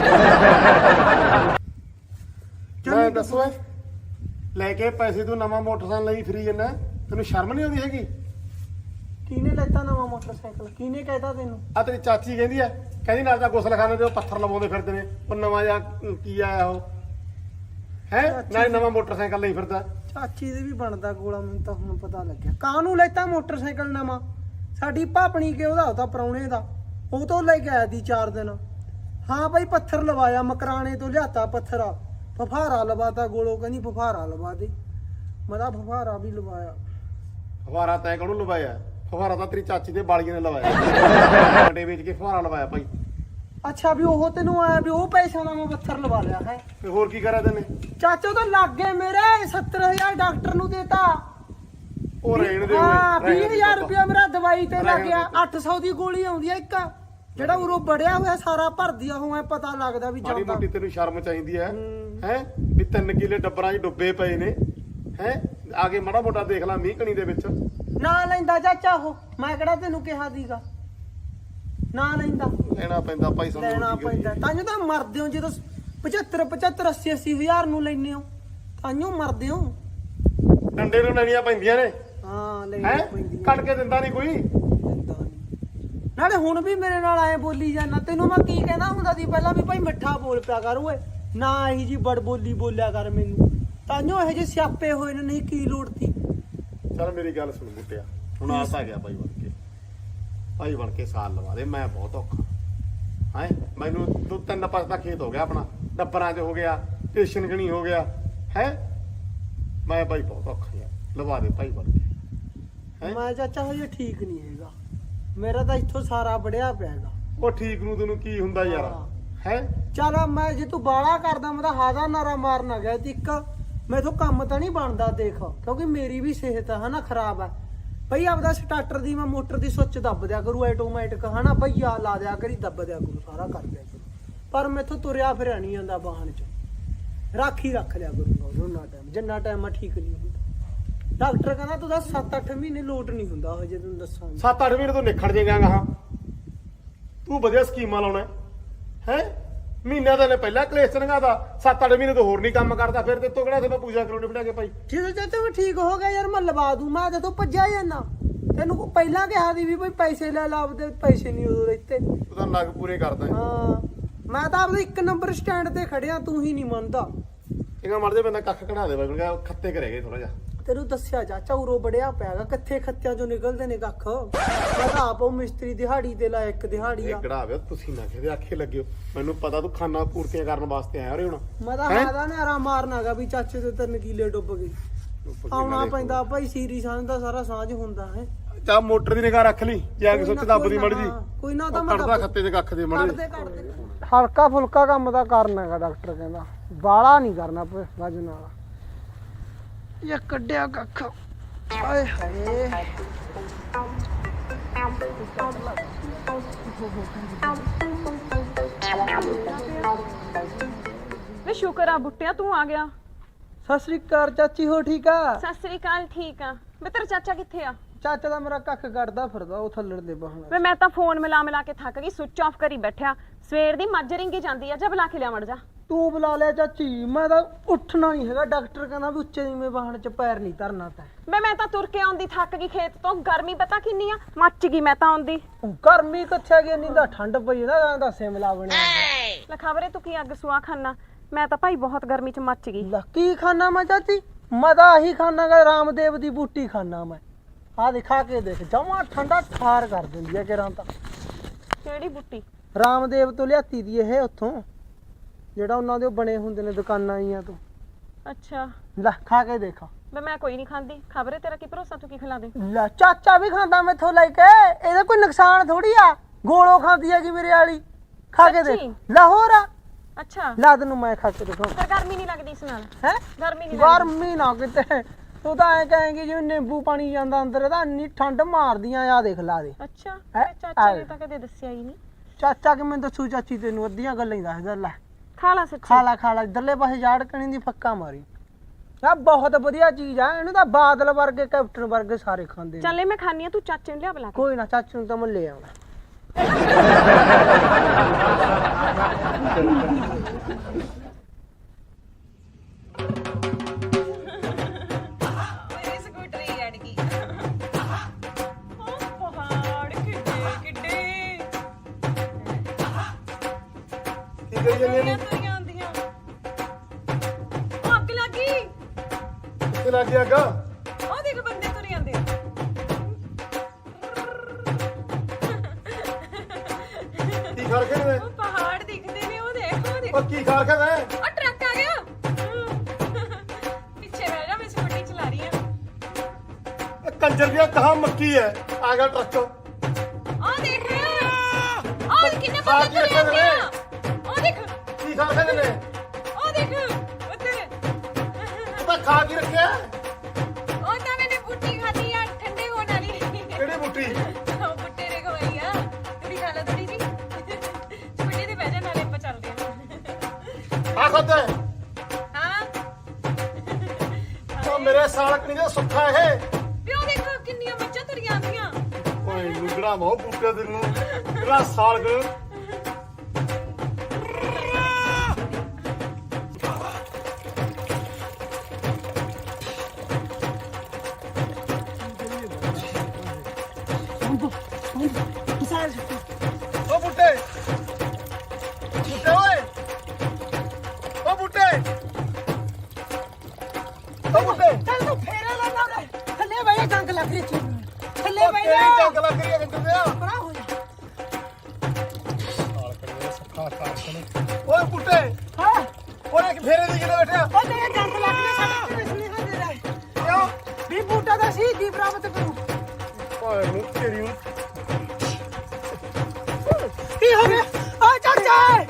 ਮੈਂ ਦੱਸੋ ਲੈ ਕੇ ਪੈਸੇ ਤੂੰ ਨਵਾਂ ਮੋਟਰਸਾਈਕਲ ਲਈ ਫਰੀ ਜੰਨਾ, ਤੈਨੂੰ ਸ਼ਰਮ ਨਹੀਂ ਆਉਂਦੀ ਹੈਗੀ?
ਕਿਹਨੇ ਲੈਤਾ ਨਵਾਂ ਮੋਟਰਸਾਈਕਲ? ਕਿਹਨੇ ਕਹਿਤਾ ਤੈਨੂੰ?
ਆ ਤੇਰੀ ਚਾਚੀ ਕਹਿੰਦੀ ਐ, ਕਹਿੰਦੀ ਨਾਲ ਤਾਂ ਗੁਸਲਖਾਨੇ ਤੇ ਉਹ ਪੱਥਰ ਲਵਾਉਂਦੇ ਫਿਰਦੇ ਨੇ, ਉਹ ਨਵਾਂ ਜਾਂ ਕੀ ਆਇਆ ਉਹ ਹੈ, ਨਾਲ ਨਵਾਂ ਮੋਟਰਸਾਈਕਲ ਲਈ ਫਿਰਦਾ।
ਚਾਚੀ ਦੇ ਵੀ ਬਣਦਾ ਗੋਲਾ, ਮੈਨੂੰ ਤਾਂ ਹੁਣ ਪਤਾ ਲੱਗਿਆ। ਕਾਹਨੂੰ ਲੈਤਾ ਮੋਟਰਸਾਈਕਲ ਨਵਾਂ? ਸਾਡੀ ਭਾਪਣੀ ਕੇ ਉਹਦਾ ਤਾਂ ਪ੍ਰਾਹੁਣੇ ਦਾ, ਉਹ ਤੋਂ ਲੈ ਕੇ ਆਇਆ ਦੀ 4 ਦਿਨ। ਹਾਂ ਭਾਈ, ਪੱਥਰ ਲਵਾਇਆ, ਮਕਰਾਣੇ ਤੋਂ ਲਿਆਤਾ ਪੱਥਰ, ਫਫਾਰਾ ਲਵਾਤਾ। ਗੋਲੋ ਕਹਿੰਦੀ ਫਫਾਰਾ ਲਵਾ ਦੇ, ਮੈਂ ਤਾਂ ਫਫਾਰਾ ਵੀ ਲਵਾਇਆ।
ਫੁਹਾਰਾ ਤੈਂ ਕਾਹਨੂੰ ਲਵਾਇਆ? ਫੁਹਾਰਾ ਤਾਂ ਤੇਰੀ ਚਾਚੀ ਦੇ ਬਾਲੀਆਂ ਨੇ ਲਵਾਇਆ, ਵੱਡੇ ਵੇਚ ਕੇ ਫੁਹਾਰਾ ਲਵਾਇਆ ਭਾਈ।
ਅੱਛਾ, ਵੀ ਉਹ ਤੈਨੂੰ ਆਇਆ ਵੀ ਉਹ ਪੈਸਿਆਂ ਦਾ ਮੈਂ ਪੱਥਰ ਲਵਾ ਲਿਆ ਹੈ?
ਤੇ ਹੋਰ ਕੀ ਕਰਿਆ ਤੈਨੇ?
ਚਾਚਾ ਤਾਂ ਲੱਗ ਗਏ ਮੇਰੇ 70,000 ਡਾਕਟਰ ਨੂੰ ਦੇਤਾ।
ਉਹ ਰਹਿਣ ਦੇ।
ਹਾਂ, 20,000 ਰੁਪਇਆ ਮੇਰਾ ਦਵਾਈ ਤੇ ਲੱਗ ਗਿਆ। 800 ਦੀ ਗੋਲੀ ਆਉਂਦੀ ਆ ਇੱਕ, ਜਿਹੜਾ ਉਰੋਂ ਬੜਿਆ ਹੋਇਆ ਸਾਰਾ ਭਰਦੀ ਆ, ਉਹ ਐ ਪਤਾ ਲੱਗਦਾ ਵੀ
ਮਾੜੀ
ਜਾਂਦਾ।
ਮੋਟੀ ਤੈਨੂੰ ਸ਼ਰਮ ਚਾਹੀਦੀ ਹੈ ਹੈ ਵੀ 3 ਕਿੱਲੇ ਡੱਬਰਾਂ 'ਚ ਡੁੱਬੇ ਪਏ ਨੇ ਹੈ, ਆ ਕੇ ਮਾੜਾ ਮੋਟਾ ਦੇਖ ਲੈ ਮੀਂਹ ਕਣੀ ਦੇ ਵਿੱਚ। ਨਾ
ਲੈਂਦਾ ਚਾਚਾ ਉਹ, ਮੈਂ ਕਿਹੜਾ ਤੈਨੂੰ ਕਿਹਾ ਸੀਗਾ ਨਾ ਲੈਂਦਾ?
ਲੈਣਾ ਪੈਂਦਾ ਭਾਈ,
ਲੈਣਾ ਪੈਂਦਾ। ਤਾਂਹੀਓ ਤਾਂ ਮਰਦੇ ਹੋ ਜਦੋਂ 75 80 ਹਜ਼ਾਰ ਨੂੰ ਲੈਨੇ ਹੋ, ਤਾਂਹੀਓ ਮਰਦੇ ਹੋ।
ਡੰਡੇ ਨੂੰ ਲੈਣੀਆਂ ਪੈਂਦੀਆਂ ਨੇ।
ਹਾਂ,
ਹੈ
ਲੈਣੀਆਂ ਪੈਂਦੀਆਂ।
ਕੱਢ ਕੇ ਦਿੰਦਾ ਨਹੀਂ ਕੋਈ।
ਨਾਲੇ ਹੁਣ ਵੀ ਮੇਰੇ ਨਾਲ ਐ ਬੋਲੀ ਜਾਂਦਾ। ਤੈਨੂੰ ਮੈਂ ਕੀ ਕਹਿੰਦਾ ਹੁੰਦਾ ਸੀ ਪਹਿਲਾਂ ਵੀ ਭਾਈ ਮਿੱਠਾ ਬੋਲ ਪਿਆ ਕਰ ਓਏ, ਨਾ ਇਹੀ ਜੀ ਬੜ ਬੋਲੀ ਬੋਲਿਆ ਕਰ ਮੈਨੂੰ। ਤਾਂਹੀਓ ਇਹੋ ਜਿਹੇ ਸਿਆਪੇ ਹੋਏ ਨੇ, ਨਹੀਂ ਕੀ ਲੋੜ ਤੀ।
ਚੱਲ ਮੇਰੀ ਗੱਲ ਸੁਣ ਮੁੱਟਿਆ, ਹੁਣ ਆਸ ਆ ਗਿਆ ਭਾਈ ਬਣ ਕੇ, ਭਾਈ ਬਣ ਕੇ ਸਾਲ ਲਵਾ ਦੇ। ਮੈਂ ਬਹੁਤ ਔਖਾ ਹੈ, ਮੈਨੂੰ 2-3 ਪਾਸ ਦਾ ਖੇਤ ਹੋ ਗਿਆ ਆਪਣਾ, ਡੱਬਰਾਂ 'ਚ ਹੋ ਗਿਆ, ਸਟੇਸ਼ਨ ਗਣੀ ਹੋ ਗਿਆ ਹੈ। ਮੈਂ ਭਾਈ ਬਹੁਤ ਔਖਾ ਯਾਰ, ਲਵਾ ਦੇ ਭਾਈ ਬਣ ਕੇ। ਮੈਂ ਚਾਚਾ ਹਜੇ ਠੀਕ ਨਹੀਂ ਹੈਗਾ, ਮੇਰਾ ਤਾਂ ਇੱਥੋਂ ਸਾਰਾ ਬੜਿਆ ਪਿਆਗਾ। ਉਹ ਠੀਕ ਨੂੰ ਤੈਨੂੰ ਕੀ ਹੁੰਦਾ ਯਾਰ ਹੈ? ਚੱਲ ਮੈਂ ਜੇ ਤੂੰ ਬਾਲਾ ਕਰਦਾ, ਮੈਂ ਤਾਂ ਹਾਦਾ ਨਾਰਾ ਮਾਰਨਾ ਗਿਆ ਤੇ ਇੱਕ ਮੈਥੋਂ ਕੰਮ ਤਾਂ ਨਹੀਂ ਬਣਦਾ ਦੇਖ, ਕਿਉਂਕਿ ਮੇਰੀ ਵੀ ਸਿਹਤ ਹਨਾ ਖਰਾਬ ਹੈ। ਭਈ ਆਪਦਾ ਸਟਾਰਟਰ ਦੀ ਮੈਂ ਮੋਟਰ ਦੀ ਸੁੱਚ ਦੱਬ ਦਿਆ ਕਰੂ ਆਟੋਮੈਟਿਕ ਹਨਾ, ਭਈਆ ਲਾ ਦਿਆ ਕਰੀ, ਦੱਬ ਦਿਆ ਕਰੂ, ਸਾਰਾ ਕਰ ਦਿਆ ਕਰੂ, ਪਰ ਮੈਥੋਂ ਤੁਰਿਆ ਫਿਰਿਆ ਨਹੀਂ ਜਾਂਦਾ ਵਾਹਨ 'ਚ। ਰਾਖੀ ਰੱਖ ਲਿਆ ਕਰੂੰਗਾ ਉਹਨਾਂ ਟਾਈਮ, ਜਿੰਨਾ ਟਾਈਮ ਮੈਂ ਠੀਕ ਨਹੀਂ ਹੁੰਦਾ। ਡਾਕਟਰ ਕਹਿੰਦਾ ਤੂੰ 7-8 ਮਹੀਨੇ ਲੋਟ ਨਹੀਂ ਹੁੰਦਾ ਹਜੇ, ਤੈਨੂੰ ਦੱਸਾਂ 7-8 ਮਹੀਨੇ ਤੋਂ ਨਿਖੜ ਜਾਏਗਾ ਹਾਂ। ਤੂੰ ਵਧੀਆ ਸਕੀਮਾਂ ਲਾਉਣਾ ਹੈ, ਮਹੀਨਾ ਤਾਂ ਨੇ ਪਹਿਲਾਂ ਕਲੇਸ਼ ਨਗਾਦਾ, 7-8 ਮਹੀਨੇ ਤੋਂ ਹੋਰ ਨਹੀਂ ਕੰਮ ਕਰਦਾ, ਫਿਰ ਤੇ ਤੋਂ ਕਿਹੜਾ ਤੇ ਮੈਂ ਪੂਜਾ ਕਰਾਉਣੀ ਬਿਠਾ ਕੇ ਭਾਈ। ਠੀਕ ਹੈ ਚਾਚਾ, ਮੈਂ ਠੀਕ ਹੋ ਗਿਆ ਯਾਰ, ਮੈਂ ਲਵਾ ਦੂੰ। ਮੈਂ ਜਦੋਂ ਭੱਜਿਆ ਜਾਂਦਾ ਤੈਨੂੰ ਪਹਿਲਾਂ ਕਿਹਾ ਸੀ ਵੀ ਭਾਈ ਪੈਸੇ ਲੈ ਲਾ, ਆਪਦੇ ਪੈਸੇ ਨਹੀਂ ਉਦੋਂ ਦਿੱਤੇ। ਤੂੰ ਤਾਂ ਨਗ ਪੂਰੇ ਕਰਦਾ। ਹਾਂ, ਮੈਂ ਤਾਂ ਆਪਦੇ 1 ਨੰਬਰ ਸਟੈਂਡ ਤੇ ਖੜਿਆ, ਤੂੰ ਹੀ ਨਹੀਂ ਮੰਨਦਾ। ਇਹਗਾ ਮਰ ਜੇ ਬੰਦਾ ਕੱਖ ਕਢਾ ਦੇ, ਖੱਤੇ ਕਰੇਗੇ ਥੋੜਾ ਜਿਹਾ।
ਤੈਨੂੰ ਦੱਸਿਆ ਚਾਚਾ ਉਰੋਂ ਬੜਿਆ ਪਿਆਗਾ ਕਿੱਥੇ ਖੱਤਿਆਂ ਚੋਂ ਨਿਕਲਦੇ ਨੇ ਕੱਖ ਮੈਂ ਤਾਂ ਆਪ ਉਹ ਮਿਸਤਰੀ ਦਿਹਾੜੀ ਤੇ ਲਾਇਆ ਇੱਕ ਦਿਹਾੜੀ ਆ
ਗੜਾਵੇ ਤੁਸੀਂ ਨਾ ਕਿਹਦੇ ਆਖੇ ਲੱਗਿਓ ਮੈਨੂੰ ਪਤਾ ਤੂੰ ਖਾਨਾ ਪੂਰਤੀਆਂ ਕਰਨ ਵਾਸਤੇ ਆਇਆ ਰੇ ਹੁਣ
ਮੈਂ ਤਾਂ ਹਾਦਾ ਨਾਰਾ ਮਾਰਨਾਗਾ ਵੀ ਚਾਚੇ ਦੇ 3 ਕਿੱਲੇ ਡੁੱਬ ਗਏ ਆਉਣਾ ਪੈਂਦਾ ਭਾਈ ਸੀਰੀ ਸਾਂਝ ਦਾ ਸਾਰਾ ਸਾਂਝ ਹੁੰਦਾ ਹੈ
ਚਾ ਮੋਟਰ ਦੀ ਨਿਗਾਹ ਰੱਖ ਲਈ ਜੇ ਆ ਕੇ ਸੁੱਚ ਦੱਬਦੀ ਮੜ ਜੀ
ਕੋਈ ਨਾ ਤਾਂ ਮੈਂ
ਕੱਢਦਾ ਖੱਤੇ 'ਚ ਕੱਖ ਦੇ ਮੜ ਜੀ
ਹਲਕਾ ਫੁਲਕਾ ਕੰਮ ਤਾਂ ਕਰਨਾ ਹੈਗਾ ਡਾਕਟਰ ਕਹਿੰਦਾ ਬਾਲਾ ਨਹੀਂ ਕਰਨਾ ਵਜਨ ਵਾਲਾ ਇਹ ਕੱਢਿਆ ਕੱਖ ਆਏ ਹਾਏ
ਵੇ ਸ਼ੁਕਰ ਆ ਬੁੱਟਿਆ ਤੂੰ ਆ ਗਿਆ।
ਸਤਿ ਸ੍ਰੀ ਅਕਾਲ ਚਾਚੀ ਹੋ ਠੀਕ ਆ
ਸਤਿ ਸ੍ਰੀ ਅਕਾਲ ਠੀਕ ਆ। ਵੇ ਤੇਰਾ ਚਾਚਾ ਕਿੱਥੇ ਆ?
ਚਾਚਾ ਦਾ ਮੇਰਾ ਕੱਖ ਕੱਢਦਾ ਫਿਰਦਾ ਉਹ ਥੱਲੜ ਦੇ ਬਹਾਨਾ
ਵੇ ਮੈਂ ਤਾਂ ਫੋਨ ਮਿਲਾ ਕੇ ਥੱਕ ਗਈ, ਸੁੱਚ ਆਫ ਕਰੀ ਬੈਠਿਆ। ਸਵੇਰ ਦੀ ਮੱਝ ਰਿੰਗੀ ਜਾਂਦੀ ਆ, ਜਾ ਬੁਲਾ ਕੇ ਲਿਆ ਮੜ ਜਾ।
ਤੂੰ ਬੁਲਾ ਲਿਆ ਚਾਚੀ ਮੈਂ ਤਾਂ ਉੱਠਣਾ ਨਹੀਂ ਹੈਗਾ ਡਾਕਟਰ ਕਹਿੰਦਾ ਵੀ ਉੱਚੇ ਨੀਵੇਂ ਵਾਹਣ 'ਚ ਪੈਰ ਨਹੀਂ ਧਰਨਾ ਤੈਂ
ਵੇ ਮੈਂ ਤਾਂ ਤੁਰ ਕੇ ਆਉਂਦੀ ਥੱਕ ਗਈ ਖੇਤ ਤੋਂ, ਗਰਮੀ ਪਤਾ ਕਿੰਨੀ ਆ, ਮੱਚ ਗਈ ਮੈਂ ਤਾਂ ਆਉਂਦੀ।
ਗਰਮੀ ਕਿੱਥੇ ਗਈ ਨਹੀਂ ਤਾਂ ਠੰਡ ਪਈ ਨਾ ਦਾ ਸਿਮਲਾ ਬਣਿਆ
ਲੈ ਖਬਰੇ ਤੂੰ ਕੀ ਅੱਗ ਸੁਆ ਖਾਨਾ, ਮੈਂ ਤਾਂ ਭਾਈ ਬਹੁਤ ਗਰਮੀ ਚ ਮੱਚ ਗਈ।
ਕੀ ਖਾਣਾ ਮੈਂ ਚਾਚੀ ਮੈਂ ਤਾਂ ਆਹੀ ਖਾਣਾਗਾ ਰਾਮਦੇਵ ਦੀ ਬੂਟੀ ਖਾਣਾ ਮੈਂ ਆ ਦਿਖਾ ਕੇ ਦੇਖ ਜਮਾ ਠੰਡਾ ਠਾਰ ਕਰ ਦਿੰਦੀ ਆ ਕਿਰਾਂ ਤਾਂ
ਕਿਹੜੀ ਬੁੱਟੀ?
ਰਾਮਦੇਵ ਤੋਂ ਲਿਆਤੀ ਦੀ ਇਹ ਉੱਥੋਂ ਜਿਹੜਾ ਉਹਨਾਂ ਦੇ ਉਹ ਬਣੇ ਹੁੰਦੇ ਨੇ ਦੁਕਾਨਾਂ ਆਈਆਂ ਤੋਂ।
ਅੱਛਾ
ਲੈ ਖਾ ਕੇ ਦੇਖ
ਵੇ ਮੈਂ ਕੋਈ ਨਹੀਂ ਖਾਂਦੀ, ਖਬਰੇ ਤੇਰਾ ਕੀ ਭਰੋਸਾ ਤੂੰ ਕੀ ਖਿਲਾ ਦੇ।
ਲੈ ਚਾਚਾ ਵੀ ਖਾਂਦਾ ਮੈਥੋਂ ਲੈ ਕੇ ਇਹਦਾ ਕੋਈ ਨੁਕਸਾਨ ਥੋੜੀ ਆ ਗੋਲੋ ਖਾਂਦੀ ਹੈਗੀ ਮੇਰੇ ਵਾਲੀ ਖਾ ਕੇ ਦੇਖ
ਸੱਚੀ?
ਲਾਹੌਰ ਆ
ਅੱਛਾ
ਲਾ ਤੈਨੂੰ ਮੈਂ ਖਾ ਕੇ ਦਿਖਾਉਂ
ਪਰ ਗਰਮੀ ਨਹੀਂ ਲੱਗਦੀ ਇਸ ਨਾਲ?
ਹੈ
ਗਰਮੀ ਨਹੀਂ ਲੱਗਦੀ?
ਗਰਮੀ ਨਾ ਕਿਤੇ ਤੂੰ ਤਾਂ ਐ ਕਹੇਂਗੀ ਜਿਵੇਂ ਨਿੰਬੂ ਪਾਣੀ ਜਾਂਦਾ ਅੰਦਰ ਇਹਦਾ ਇੰਨੀ ਠੰਡ ਮਾਰਦੀਆਂ ਆ ਦੇਖ ਲਾ ਦੇ
ਅੱਛਾ
ਹੈਂ?
ਮੇਰੇ ਚਾਚਾ ਨੇ ਤਾਂ ਕਦੇ ਦੱਸਿਆ ਹੀ ਨਹੀਂ।
ਚਾਚਾ ਕਿ ਮੈਨੂੰ ਦੱਸੂ ਚਾਚੀ ਤੈਨੂੰ ਅੱਧੀਆਂ ਗੱਲਾਂ ਹੀ ਦੱਸਦਾ ਲੈ
ਖਾ ਲਾ ਸੱਚੀ।
ਖਾ ਲਾ ਇਧਰਲੇ ਪਾਸੇ ਜਾੜ ਕਣੀ ਦੀ ਫੱਕਾ ਮਾਰੀ ਆ ਬਹੁਤ ਵਧੀਆ ਚੀਜ਼ ਆ ਇਹਨੂੰ ਤਾਂ ਬਾਦਲ ਵਰਗੇ ਕੈਪਟਨ ਵਰਗੇ ਸਾਰੇ ਖਾਂਦੇ ਨੇ
ਚੱਲੇ ਮੈਂ ਖਾਣੀ ਆ, ਤੂੰ ਚਾਚੇ ਨੂੰ ਲਿਆ ਬੁਲਾ ਕੇ।
ਕੋਈ ਨਾ ਚਾਚੂ ਨੂੰ ਤਾਂ ਮੈਂ ਲੈ ਆਉਣਾ
ਮੇਰੀ ਸਕੂਟਰੀ ਅੜ ਗਈ। ਉਹ ਪਹਾੜ ਕਿੱਡੇ ਕਿੱਡੇ
ਕੀ ਕਰੀ ਜਾਂਦੇ ਨੇ
ਤੁਰੀਆਂ ਆਉਂਦੀਆਂ। ਉਹ ਅੱਗ ਲੱਗੀ,
ਕਿੱਥੇ ਲੱਗ ਗਿਆ ਅੱਗਾ
ਉਹ ਦੇਖ ਬੰਦੇ ਤੁਰੇ ਆਉਂਦੇ ਆ।
ਕੀ ਖਾ ਕੇ ਨੇ
ਉਹ ਪਹਾੜ ਦਿਖਦੇ ਨੇ, ਉਹ ਦੇਖ ਉਹ ਦੇਖ।
ਉਹ ਕੀ ਖਾ ਕੇ ਨੇ
ਉਹ ਟਰੱਕ ਆ ਗਿਆ। ਪਿੱਛੇ ਬਹਿ ਜਾ, ਮੈਂ ਸਕੂਟਰੀ ਚਲਾ ਰਹੀ ਆ।
ਇਹ ਕੰਜਰ ਦੀਆਂ ਕਹਾ ਮੱਕੀ ਹੈ ਆ ਗਿਆ ਟਰੱਕ
ਉਹ ਦੇਖ, ਉਹ ਕਿੰਨੇ ਬੰਦੇ ਤੁਰੇ ਆਉਂਦੇ ਆ। ਉਹ ਦੇਖ,
ਕੀ ਖਾ ਕੇ ਨੇ
ਉਹ ਦੇਖ ਉੱਧਰ।
ਤੂੰ ਤਾਂ ਖਾ ਕੇ ਰੱਖਿਆ
ਉਹ ਤਾਂ ਮੈंने ਬੁੱਟੀ ਖਾਧੀ ਆ ਠੰਡੇ ਹੋਣ ਵਾਲੀ।
ਕਿਹੜੀ ਬੂਟੀ
ਉਹ ਬੁੱਟੇ ਦੇ ਖਵਾਈ ਆ, ਤੇਰੀ ਖਾ ਲੈ ਥੋੜੀ ਜੀ। ਸਕੂਟੀ ਤੇ ਬਹਿ ਜਾ, ਨਾਲੇ ਆਪਾਂ ਚੱਲਦੇ ਆ।
ਆ ਖਾਦਾ
ਹਾਂ
ਉਹ ਮੇਰੇ ਸਾਲਕ ਨਹੀਂ ਦਾ ਸੁੱਖਾ ਇਹ
ਪਿਓ ਦੇਖੋ ਕਿੰਨੀਆਂ ਮੱਝਾਂ ਤੁਰੀਆਂ ਆਉਂਦੀਆਂ।
ਓਏ ਲੁਗੜਾ ਮੋ ਬੂਟੇ ਦੇ ਨੂੰ ਤੇਰਾ ਸਾਲਕ ਓ ਬੂਟੇ ਬੂਟੇ ਓਏ ਓ ਬੂਟੇ ਓ ਬੂਟੇ
ਚੱਲ ਤੂੰ ਫੇਰੇ ਲਾ ਨਾ ਥੱਲੇ ਬਹਿ ਜਾ ਜੰਗ ਲੱਗ ਰਹੀ ਥੱਲੇ
ਓ
ਬਹਿ
ਤੇਰੀ
ਜਾ
ਜੰਗ ਲੱਗ ਰਹੀ ਹੈ ਕੰਜਰ ਦਿਆ
ਬੜਾ ਹੋ ਜਾ
ਸਾਲਕ ਨੇ ਸੁੱਖਾ ਓਏ ਬੂਟੇ
ਹਾਂ
ਓਏ ਕਿ ਫੇਰੇ ਦੀ ਕਿਤੇ ਬੈਠਿਆ
ਉਹ ਤੇਰੇ ਜੰਗ ਲੱਗ ਰਹੀ ਸਾਡੇ ਤੇ ਸੁਨੇਹਾ ਦੇ ਰਿਹਾ
ਕਿਉਂ
ਵੀ ਬੂਟਾ ਦਾ ਸੀ ਦੀ ਪ੍ਰਾਪਤ ਕਰੂ
ਓਏ ਨੂੰ ਤੇਰੀ ਨੂੰ
ਕੀ ਹੋ ਗਿਆ ਓ ਚਾਚਾ